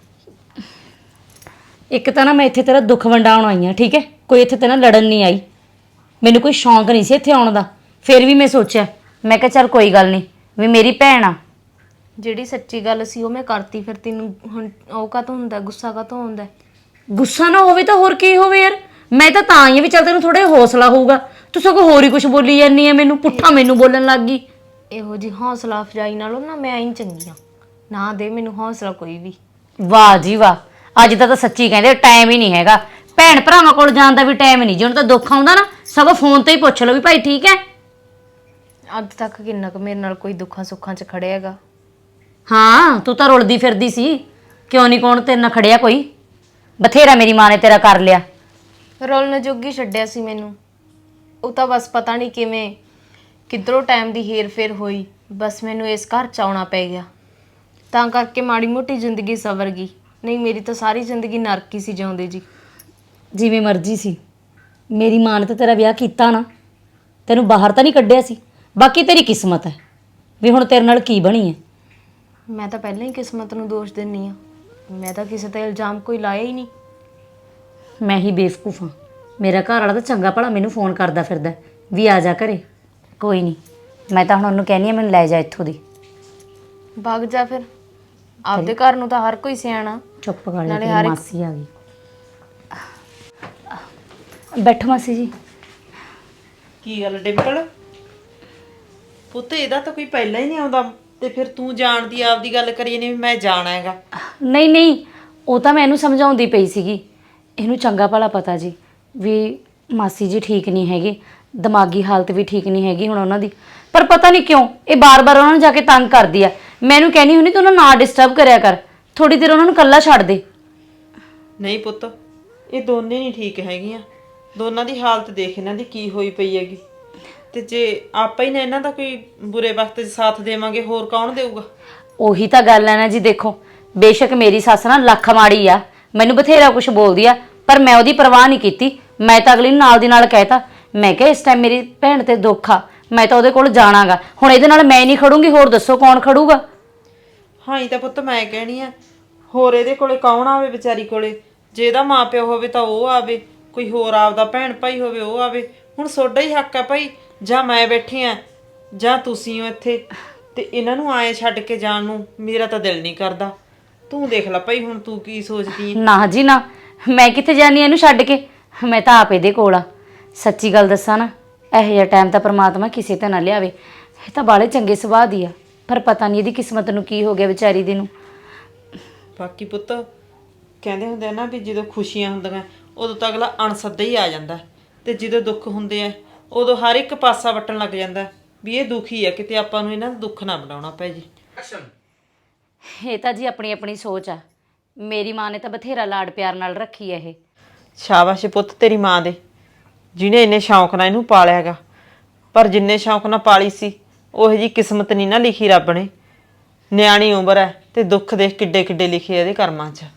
ਇੱਕ ਤਾਂ ਨਾ ਮੈਂ ਇੱਥੇ ਤੇਰਾ ਦੁੱਖ ਵੰਡਾਉਣ ਆਈ ਹਾਂ, ਠੀਕ ਹੈ? ਕੋਈ ਇੱਥੇ ਤੇ ਨਾ ਲੜਨ ਨਹੀਂ ਆਈ। ਮੈਨੂੰ ਕੋਈ ਸ਼ੌਂਕ ਨਹੀਂ ਸੀ ਇੱਥੇ ਆਉਣ ਦਾ, ਫਿਰ ਵੀ ਮੈਂ ਸੋਚਿਆ, ਮੈਂ ਕਿਹਾ ਚੱਲ ਕੋਈ ਗੱਲ ਨਹੀਂ, ਵੀ ਮੇਰੀ ਭੈਣ ਆ। ਜਿਹੜੀ ਸੱਚੀ ਗੱਲ ਸੀ ਉਹ ਮੈਂ ਕਰਤੀ, ਫਿਰ ਤੈਨੂੰ ਹੁਣ ਉਹ ਕਾਹਤੋਂ ਹੁੰਦਾ, ਗੁੱਸਾ ਕਾਹਤੋਂ ਹੁੰਦਾ? ਗੁੱਸਾ ਨਾ ਹੋਵੇ ਤਾਂ ਹੋਰ ਕੀ ਹੋਵੇ ਯਾਰ। ਮੈਂ ਤਾਂ ਆਈ ਹਾਂ ਵੀ ਚੱਲ ਤੈਨੂੰ ਥੋੜਾ ਜਿਹਾ ਹੌਸਲਾ ਹੋਊਗਾ। ਤੂੰ ਸਗੋਂ ਹੋਰ ਹੀ ਕੁਝ ਬੋਲੀ ਜਾਂਦੀ ਹੈ, ਮੈਨੂੰ ਪੁੱਠਾ ਮੈਨੂੰ ਬੋਲਣ ਲੱਗ ਗਈ। ਇਹੋ ਜੀ ਹੌਸਲਾ ਅਫਜ਼ਾਈ ਨਾਲੋਂ ਨਾ ਮੈਂ ਹੀ ਚੰਗੀ ਆ। ਨਾ ਦੇ ਮੈਨੂੰ ਹੌਸਲਾ ਕੋਈ ਵੀ। ਵਾਹ ਜੀ ਵਾਹ, ਅੱਜ ਤਾਂ ਸੱਚੀ ਕਹਿੰਦੇ ਟਾਈਮ ਹੀ ਨਹੀਂ ਹੈਗਾ। ਭੈਣ ਭਰਾਵਾਂ ਕੋਲ ਜਾਣ ਦਾ ਵੀ ਟਾਈਮ ਨਹੀਂ। ਜਿਹਨੂੰ ਤਾਂ ਦੁੱਖ ਆਉਂਦਾ ਨਾ ਸਗੋਂ ਫੋਨ ਤੇ ਹੀ ਪੁੱਛ ਲਓ ਵੀ ਭਾਈ ਠੀਕ ਹੈ। ਅੱਜ ਤੱਕ ਕਿੰਨਾ ਕੁ ਮੇਰੇ ਨਾਲ ਕੋਈ ਦੁੱਖਾਂ ਸੁੱਖਾਂ 'ਚ ਖੜਿਆ ਹੈਗਾ? ਹਾਂ, ਤੂੰ ਤਾਂ ਰੁਲਦੀ ਫਿਰਦੀ ਸੀ, ਕਿਉਂ ਨਹੀਂ ਕੌਣ ਤੇਰੇ ਨਾਲ ਖੜਿਆ ਕੋਈ? ਬਥੇਰਾ ਮੇਰੀ ਮਾਂ ਨੇ ਤੇਰਾ ਕਰ ਲਿਆ। ਰੋਲਣ ਜੋਗੀ ਛੱਡਿਆ ਸੀ ਮੈਨੂੰ। ਉਹ ਤਾਂ ਬਸ ਪਤਾ ਨਹੀਂ ਕਿਵੇਂ ਕਿੱਧਰੋਂ ਟਾਈਮ ਦੀ ਹੇਰ ਫੇਰ ਹੋਈ, ਬਸ ਮੈਨੂੰ ਇਸ ਘਰ 'ਚ ਆਉਣਾ ਪੈ ਗਿਆ। ਤਾਂ ਕਰਕੇ ਮਾੜੀ ਮੋਟੀ ਜ਼ਿੰਦਗੀ ਸਵਰ ਗਈ, ਨਹੀਂ ਮੇਰੀ ਤਾਂ ਸਾਰੀ ਜ਼ਿੰਦਗੀ ਨਰਕ ਹੀ ਸੀ ਜਿਉਂਦੇ ਜੀ। ਜਿਵੇਂ ਮਰਜ਼ੀ ਸੀ, ਮੇਰੀ ਮਾਂ ਨੇ ਤਾਂ ਤੇਰਾ ਵਿਆਹ ਕੀਤਾ ਨਾ, ਤੈਨੂੰ ਬਾਹਰ ਤਾਂ ਨਹੀਂ ਕੱਢਿਆ ਸੀ। ਬਾਕੀ ਤੇਰੀ ਕਿਸਮਤ ਹੈ ਵੀ ਹੁਣ ਤੇਰੇ ਨਾਲ ਕੀ ਬਣੀ ਹੈ। ਮੈਂ ਤਾਂ ਪਹਿਲਾਂ ਹੀ ਕਿਸਮਤ ਨੂੰ ਦੋਸ਼ ਦਿੰਨੀ ਆ। ਮੈਂ ਤਾਂ ਕਿਸੇ ਤੇ ਇਲਜ਼ਾਮ ਕੋਈ ਲਾਇਆ ਹੀ ਨਹੀਂ। ਮੈਂ ਹੀ ਬੇਵਕੂਫ ਹਾਂ। ਮੇਰਾ ਘਰ ਵਾਲਾ ਤਾਂ ਚੰਗਾ ਭਲਾ ਮੈਨੂੰ ਫੋਨ ਕਰਦਾ ਫਿਰਦਾ ਵੀ ਆ ਜਾ ਘਰੇ। ਕੋਈ ਨਹੀਂ, ਮੈਂ ਤਾਂ ਹੁਣ ਉਹਨੂੰ ਕਹਿੰਦੀ ਆ ਮੈਨੂੰ ਲੈ ਜਾ ਇੱਥੋਂ ਦੀ। ਭੱਗ ਜਾ ਫਿਰ, ਆਪਦੇ ਘਰ ਨੂੰ ਤਾਂ ਹਰ ਕੋਈ ਸਿਆਣਾ। ਚੁੱਪ ਕਰ ਨਾਲੇ ਜਾ, ਹਰ ਇੱਕ- ਮਾਸੀ ਆ ਗਈ। ਬੈਠੋ ਮਾਸੀ ਜੀ। ਕੀ ਗੱਲ ਡਿੰਪਲ ਪੁੱਤ, ਇਹਦਾ ਤਾਂ ਕੋਈ ਪਹਿਲਾਂ ਹੀ ਨਹੀਂ ਆਉਂਦਾ ਤੇ ਫਿਰ ਤੂੰ ਜਾਣਦੀ ਆਪਦੀ ਗੱਲ ਕਰੀ ਨਹੀਂ ਵੀ ਮੈਂ ਜਾਣਾ ਹੈਗਾ। ਨਹੀਂ ਨਹੀਂ, ਉਹ ਤਾਂ ਮੈਂ ਇਹਨੂੰ ਸਮਝਾਉਂਦੀ ਪਈ ਸੀਗੀ। ਇਹਨੂੰ ਚੰਗਾ ਭਲਾ ਪਤਾ ਜੀ ਵੀ ਮਾਸੀ ਜੀ ਠੀਕ ਨਹੀਂ ਹੈਗੇ, ਦਿਮਾਗੀ ਹਾਲਤ ਵੀ ਠੀਕ ਨਹੀਂ ਹੈਗੀ ਹੁਣ ਉਹਨਾਂ ਦੀ। ਪਰ ਪਤਾ ਨਹੀਂ ਕਿਉਂ ਇਹ ਬਾਰ-ਬਾਰ ਉਹਨਾਂ ਨੂੰ ਜਾ ਕੇ ਤੰਗ ਕਰਦੀ ਆ। ਮੈਨੂੰ ਕਹਿੰਦੀ ਹੁੰਦੀ ਤੂੰ ਉਹਨਾਂ ਨੂੰ ਨਾ ਡਿਸਟਰਬ ਕਰਿਆ ਕਰ, ਥੋੜੀ ਦੇਰ ਉਹਨਾਂ ਨੂੰ ਇਕੱਲਾ ਛੱਡ ਦੇ। ਨਹੀਂ ਪੁੱਤ, ਇਹ ਦੋਨੇ ਨਹੀਂ ਠੀਕ ਹੈਗੀਆਂ। ਦੋਨਾਂ ਦੀ ਹਾਲਤ ਦੇਖ ਇਹਨਾਂ ਦੀ ਕੀ ਹੋਈ ਪਈ ਹੈਗੀ। ਤੇ ਜੇ ਆਪਾਂ ਹੀ ਨਾ ਇਹਨਾਂ ਦਾ ਕੋਈ ਬੁਰੇ ਵਕਤ 'ਚ ਸਾਥ ਦੇਵਾਂਗੇ, ਹੋਰ ਕੌਣ ਦੇਊਗਾ? ਉਹੀ ਤਾਂ ਗੱਲ ਹੈ ਨਾ ਜੀ। ਦੇਖੋ ਬੇਸ਼ੱਕ ਮੇਰੀ ਸੱਸ ਨਾ ਲੱਖ ਮਾੜੀ ਆ, ਮੈਨੂੰ ਬਥੇਰਾ ਕੁਝ ਬੋਲਦੀ ਆ, ਪਰ ਮੈਂ ਉਹਦੀ ਪਰਵਾਹ ਨਹੀਂ ਕੀਤੀ। ਮੈਂ ਤਾਂ ਅਗਲੀ ਨੂੰ ਨਾਲ ਦੀ ਨਾਲ ਕਹਿਤਾ, ਮੈਂ ਕਿਹਾ ਇਸ ਟਾਈਮ ਮੇਰੀ ਭੈਣ ਤੇ ਦੁੱਖ ਆ, ਮੈਂ ਤਾਂ ਉਹਦੇ ਕੋਲ ਜਾਣਾਗਾ। ਹੁਣ ਇਹਦੇ ਨਾਲ ਮੈਂ ਨਹੀਂ ਖੜੂੰਗੀ, ਹੋਰ ਦੱਸੋ ਕੌਣ ਖੜੂਗਾ? ਹਾਂ ਹੀ ਤਾਂ ਪੁੱਤ ਮੈਂ ਕਹਿਣੀ ਆ, ਹੋਰ ਇਹਦੇ ਕੋਲੇ ਕੌਣ ਆਵੇ ਵਿਚਾਰੀ ਕੋਲੇ? ਜੇ ਇਹਦਾ ਮਾਪਿਓ ਹੋਵੇ ਤਾਂ ਉਹ ਆਵੇ, ਕੋਈ ਹੋਰ ਆਪਦਾ ਭੈਣ ਭਾਈ ਹੋਵੇ ਉਹ ਆਵੇ। ਹੁਣ ਤੁਹਾਡਾ ਹੀ ਹੱਕ ਆ ਭਾਈ, ਜਾਂ ਮੈਂ ਬੈਠੀ ਆ ਜਾਂ ਤੁਸੀਂ ਹੋ ਇੱਥੇ, ਤੇ ਇਹਨਾਂ ਨੂੰ ਆਏ ਛੱਡ ਕੇ ਜਾਣ ਨੂੰ ਮੇਰਾ ਤਾਂ ਦਿਲ ਨਹੀਂ ਕਰਦਾ। ਤੂੰ ਦੇਖ ਲੈ ਭਾਈ, ਹੁਣ ਤੂੰ ਕੀ ਸੋਚਦੀ ਹੈ? ਨਾ ਜੀ ਨਾ, ਮੈਂ ਕਿੱਥੇ ਜਾਣੀ ਇਹਨੂੰ ਛੱਡ ਕੇ, ਮੈਂ ਤਾਂ ਆਪ ਇਹਦੇ ਕੋਲ ਆ। ਸੱਚੀ ਗੱਲ ਦੱਸਾਂ ਨਾ, ਇਹੋ ਜਿਹਾ ਟਾਈਮ ਤਾਂ ਪ੍ਰਮਾਤਮਾ ਕਿਸੇ ਤੇ ਨਾ ਲਿਆਵੇ। ਇਹ ਤਾਂ ਬਾਲੇ ਚੰਗੇ ਸੁਭਾਅ ਦੀ ਆ, ਪਰ ਪਤਾ ਨਹੀਂ ਇਹਦੀ ਕਿਸਮਤ ਨੂੰ ਕੀ ਹੋ ਗਿਆ ਵਿਚਾਰੀ ਦੀ ਨੂੰ। ਬਾਕੀ ਪੁੱਤ ਕਹਿੰਦੇ ਹੁੰਦੇ ਆ ਨਾ ਵੀ ਜਦੋਂ ਖੁਸ਼ੀਆਂ ਹੁੰਦੀਆਂ ਉਦੋਂ ਤਾਂ ਅਗਲਾ ਅਣਸੱਦਾ ਹੀ ਆ ਜਾਂਦਾ, ਤੇ ਜਦੋਂ ਦੁੱਖ ਹੁੰਦੇ ਆ ਉਦੋਂ ਹਰ ਇੱਕ ਪਾਸਾ ਵੱਟਣ ਲੱਗ ਜਾਂਦਾ ਵੀ ਇਹ ਦੁਖੀ ਆ, ਕਿਤੇ ਆਪਾਂ ਨੂੰ ਇਹਨਾਂ ਦਾ ਦੁੱਖ ਨਾ ਬਣਾਉਣਾ ਪੈ ਜੇ। ਇਹ ਤਾਂ ਜੀ ਆਪਣੀ ਆਪਣੀ ਸੋਚ ਆ। ਮੇਰੀ ਮਾਂ ਨੇ ਤਾਂ ਬਥੇਰਾ ਲਾਡ ਪਿਆਰ ਨਾਲ ਰੱਖੀ ਹੈ ਇਹ। ਸ਼ਾਬਾਸ਼ ਪੁੱਤ ਤੇਰੀ ਮਾਂ ਦੇ, ਜਿਹਨੇ ਇੰਨੇ ਸ਼ੌਂਕ ਨਾਲ ਇਹਨੂੰ ਪਾਲਿਆ ਹੈਗਾ। ਪਰ ਜਿੰਨੇ ਸ਼ੌਂਕ ਨਾਲ ਪਾਲੀ ਸੀ ਉਹੋ ਜੀ ਕਿਸਮਤ ਨਹੀਂ ਨਾ ਲਿਖੀ ਰੱਬ ਨੇ। ਨਿਆਣੀ ਉਮਰ ਹੈ ਤੇ ਦੁੱਖ ਦੇਖ ਕਿੱਡੇ ਕਿੱਡੇ ਲਿਖੇ ਇਹਦੇ ਕਰਮਾਂ 'ਚ।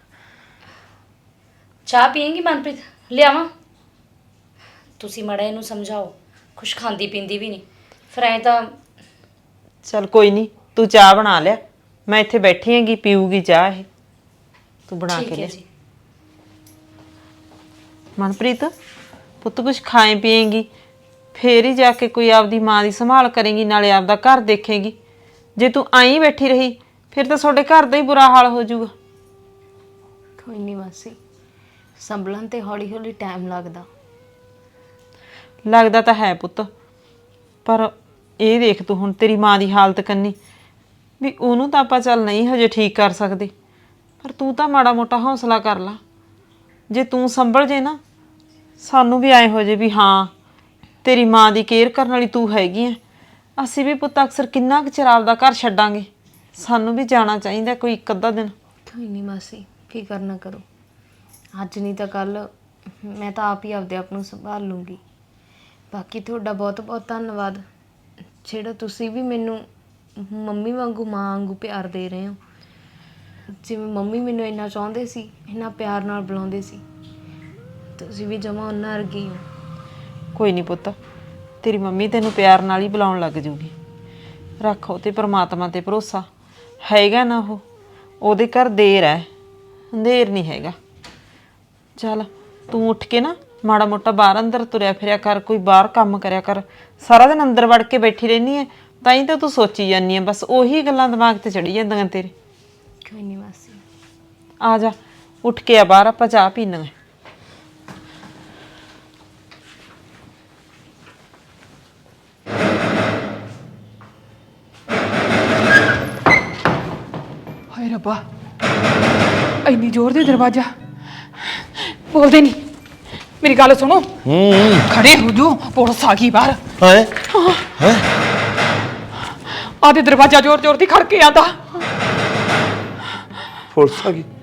ਚਾਹ ਪੀਏਂਗੀ ਮਨਪ੍ਰੀਤ? ਲਿਆਵਾਂ? ਤੁਸੀਂ ਮੜਾ ਇਹਨੂੰ ਸਮਝਾਓ, ਕੁਛ ਖਾਂਦੀ ਪੀਂਦੀ ਵੀ ਨਹੀਂ, ਫਿਰ ਐਂ ਤਾਂ। ਚੱਲ ਕੋਈ ਨਹੀਂ, ਤੂੰ ਚਾਹ ਬਣਾ ਲਿਆ, ਮੈਂ ਇੱਥੇ ਬੈਠੀ ਹੈਗੀ, ਪੀਊਗੀ ਚਾਹ ਇਹ, ਤੂੰ ਬਣਾ ਕੇ ਠੀਕ ਹੈ ਲਿਆ। ਜੀ। ਮਨਪ੍ਰੀਤ ਪੁੱਤ ਕੁਛ ਖਾਏ ਪੀਏਂਗੀ, ਫੇਰ ਹੀ ਜਾ ਕੇ ਕੋਈ ਆਪਦੀ ਮਾਂ ਦੀ ਸੰਭਾਲ ਕਰੇਂਗੀ, ਨਾਲੇ ਆਪਦਾ ਘਰ ਦੇਖੇਂਗੀ। ਜੇ ਤੂੰ ਆਈ ਬੈਠੀ ਰਹੀ ਫਿਰ ਤਾਂ ਤੁਹਾਡੇ ਘਰ ਦਾ ਹੀ ਬੁਰਾ ਹਾਲ ਹੋ ਜਾਊਗਾ। ਕੋਈ ਨਹੀਂ ਮਾਸੀ, ਸੰਭਲਣ ਤੇ ਹੌਲੀ ਹੌਲੀ ਟਾਈਮ ਲੱਗਦਾ ਤਾਂ ਹੈ ਪੁੱਤ, ਪਰ ਇਹ ਦੇਖ ਤੂੰ ਹੁਣ ਤੇਰੀ ਮਾਂ ਦੀ ਹਾਲਤ ਕੰਨੀ ਵੀ ਉਹਨੂੰ ਤਾਂ ਆਪਾਂ ਚੱਲ ਨਹੀਂ ਹਜੇ ਠੀਕ ਕਰ ਸਕਦੇ, ਪਰ ਤੂੰ ਤਾਂ ਮਾੜਾ ਮੋਟਾ ਹੌਸਲਾ ਕਰ ਲਾ। ਜੇ ਤੂੰ ਸੰਭਲ ਜੇ ਨਾ, ਸਾਨੂੰ ਵੀ ਐ ਹੋ ਜੇ ਵੀ ਹਾਂ ਤੇਰੀ ਮਾਂ ਦੀ ਕੇਅਰ ਕਰਨ ਵਾਲੀ ਤੂੰ ਹੈਗੀ ਐ। ਅਸੀਂ ਵੀ ਪੁੱਤ ਅਕਸਰ ਕਿੰਨਾ ਕੁ ਚਿਰ ਆਪਦਾ ਘਰ ਛੱਡਾਂਗੇ, ਸਾਨੂੰ ਵੀ ਜਾਣਾ ਚਾਹੀਦਾ ਕੋਈ ਇੱਕ ਅੱਧਾ ਦਿਨ। ਕੋਈ ਨਹੀਂ ਮਾਸੀ, ਫਿਕਰ ਨਾ ਕਰੋ, ਅੱਜ ਨਹੀਂ ਤਾਂ ਕੱਲ ਮੈਂ ਤਾਂ ਆਪ ਹੀ ਆਪਦੇ ਆਪ ਨੂੰ ਸੰਭਾਲ ਲੂੰਗੀ। ਬਾਕੀ ਤੁਹਾਡਾ ਬਹੁਤ ਬਹੁਤ ਧੰਨਵਾਦ, ਜਿਹੜਾ ਤੁਸੀਂ ਵੀ ਮੈਨੂੰ ਮੰਮੀ ਵਾਂਗੂ ਮਾਂ ਵਾਂਗੂ ਪਿਆਰ ਦੇ ਰਹੇ ਹੋ। ਜਿਵੇਂ ਮੰਮੀ ਮੈਨੂੰ ਇੰਨਾ ਚਾਹੁੰਦੇ ਸੀ, ਇੰਨਾ ਪਿਆਰ ਨਾਲ ਬੁਲਾਉਂਦੇ ਸੀ, ਤੁਸੀਂ ਵੀ ਜਮਾਂ ਉਹਨਾਂ ਵਰਗੀ ਹੋ। ਕੋਈ ਨਹੀਂ ਪੁੱਤ, ਤੇਰੀ ਮੰਮੀ ਤੈਨੂੰ ਪਿਆਰ ਨਾਲ ਹੀ ਬੁਲਾਉਣ ਲੱਗ ਜੂਗੀ। ਰੱਖੋ ਤੇ ਪ੍ਰਮਾਤਮਾ ਤੇ ਭਰੋਸਾ, ਹੈਗਾ ਨਾ ਉਹ, ਉਹਦੇ ਘਰ ਦੇਰ ਹੈ, ਅੰਧੇਰ ਨਹੀਂ ਹੈਗਾ। ਚੱਲ ਤੂੰ ਉੱਠ ਕੇ ਨਾ ਮਾੜਾ ਮੋਟਾ ਬਾਹਰ ਅੰਦਰ ਤੁਰਿਆ ਫਿਰਿਆ ਕਰ, ਕੋਈ ਬਾਹਰ ਕੰਮ ਕਰਿਆ ਕਰ। ਸਾਰਾ ਦਿਨ ਅੰਦਰ ਵੜ ਕੇ ਬੈਠੀ ਰਹਿੰਦੀ ਹੈ, ਤਾਂ ਹੀ ਤਾਂ ਤੂੰ ਸੋਚੀ ਜਾਂਦੀ ਹੈ, ਬਸ ਉਹੀ ਗੱਲਾਂ ਦਿਮਾਗ ਤੇ ਚੜੀ ਜਾਂਦੀਆਂ ਤੇਰੇ। ਕੋਈ ਨਹੀਂ ਮਾਸੀ। ਆ ਜਾ, ਉੱਠ ਕੇ ਆ ਬਾਹਰ, ਆਪਾਂ ਚਾਹ ਪੀਣਾ। ਹਾਏ ਰੱਬਾ, ਇੰਨੀ ਜ਼ੋਰ ਦੇ ਦਰਵਾਜ਼ਾ ਬੋਲਦੇ ਨਹੀਂ। ਮੇਰੀ ਗੱਲ ਸੁਣੋ, ਖੜੇ ਹੋ ਜੋ, ਪੁਲਿਸ ਆ ਗਈ ਬਾਹਰ। ਹਾਏ ਆਦੇ ਦਰਵਾਜ਼ਾ ਜ਼ੋਰ ਜ਼ੋਰ ਦੀ ਖੜਕੇ ਆਂਦਾ। ਪੁਲਿਸ ਆ ਗਈ?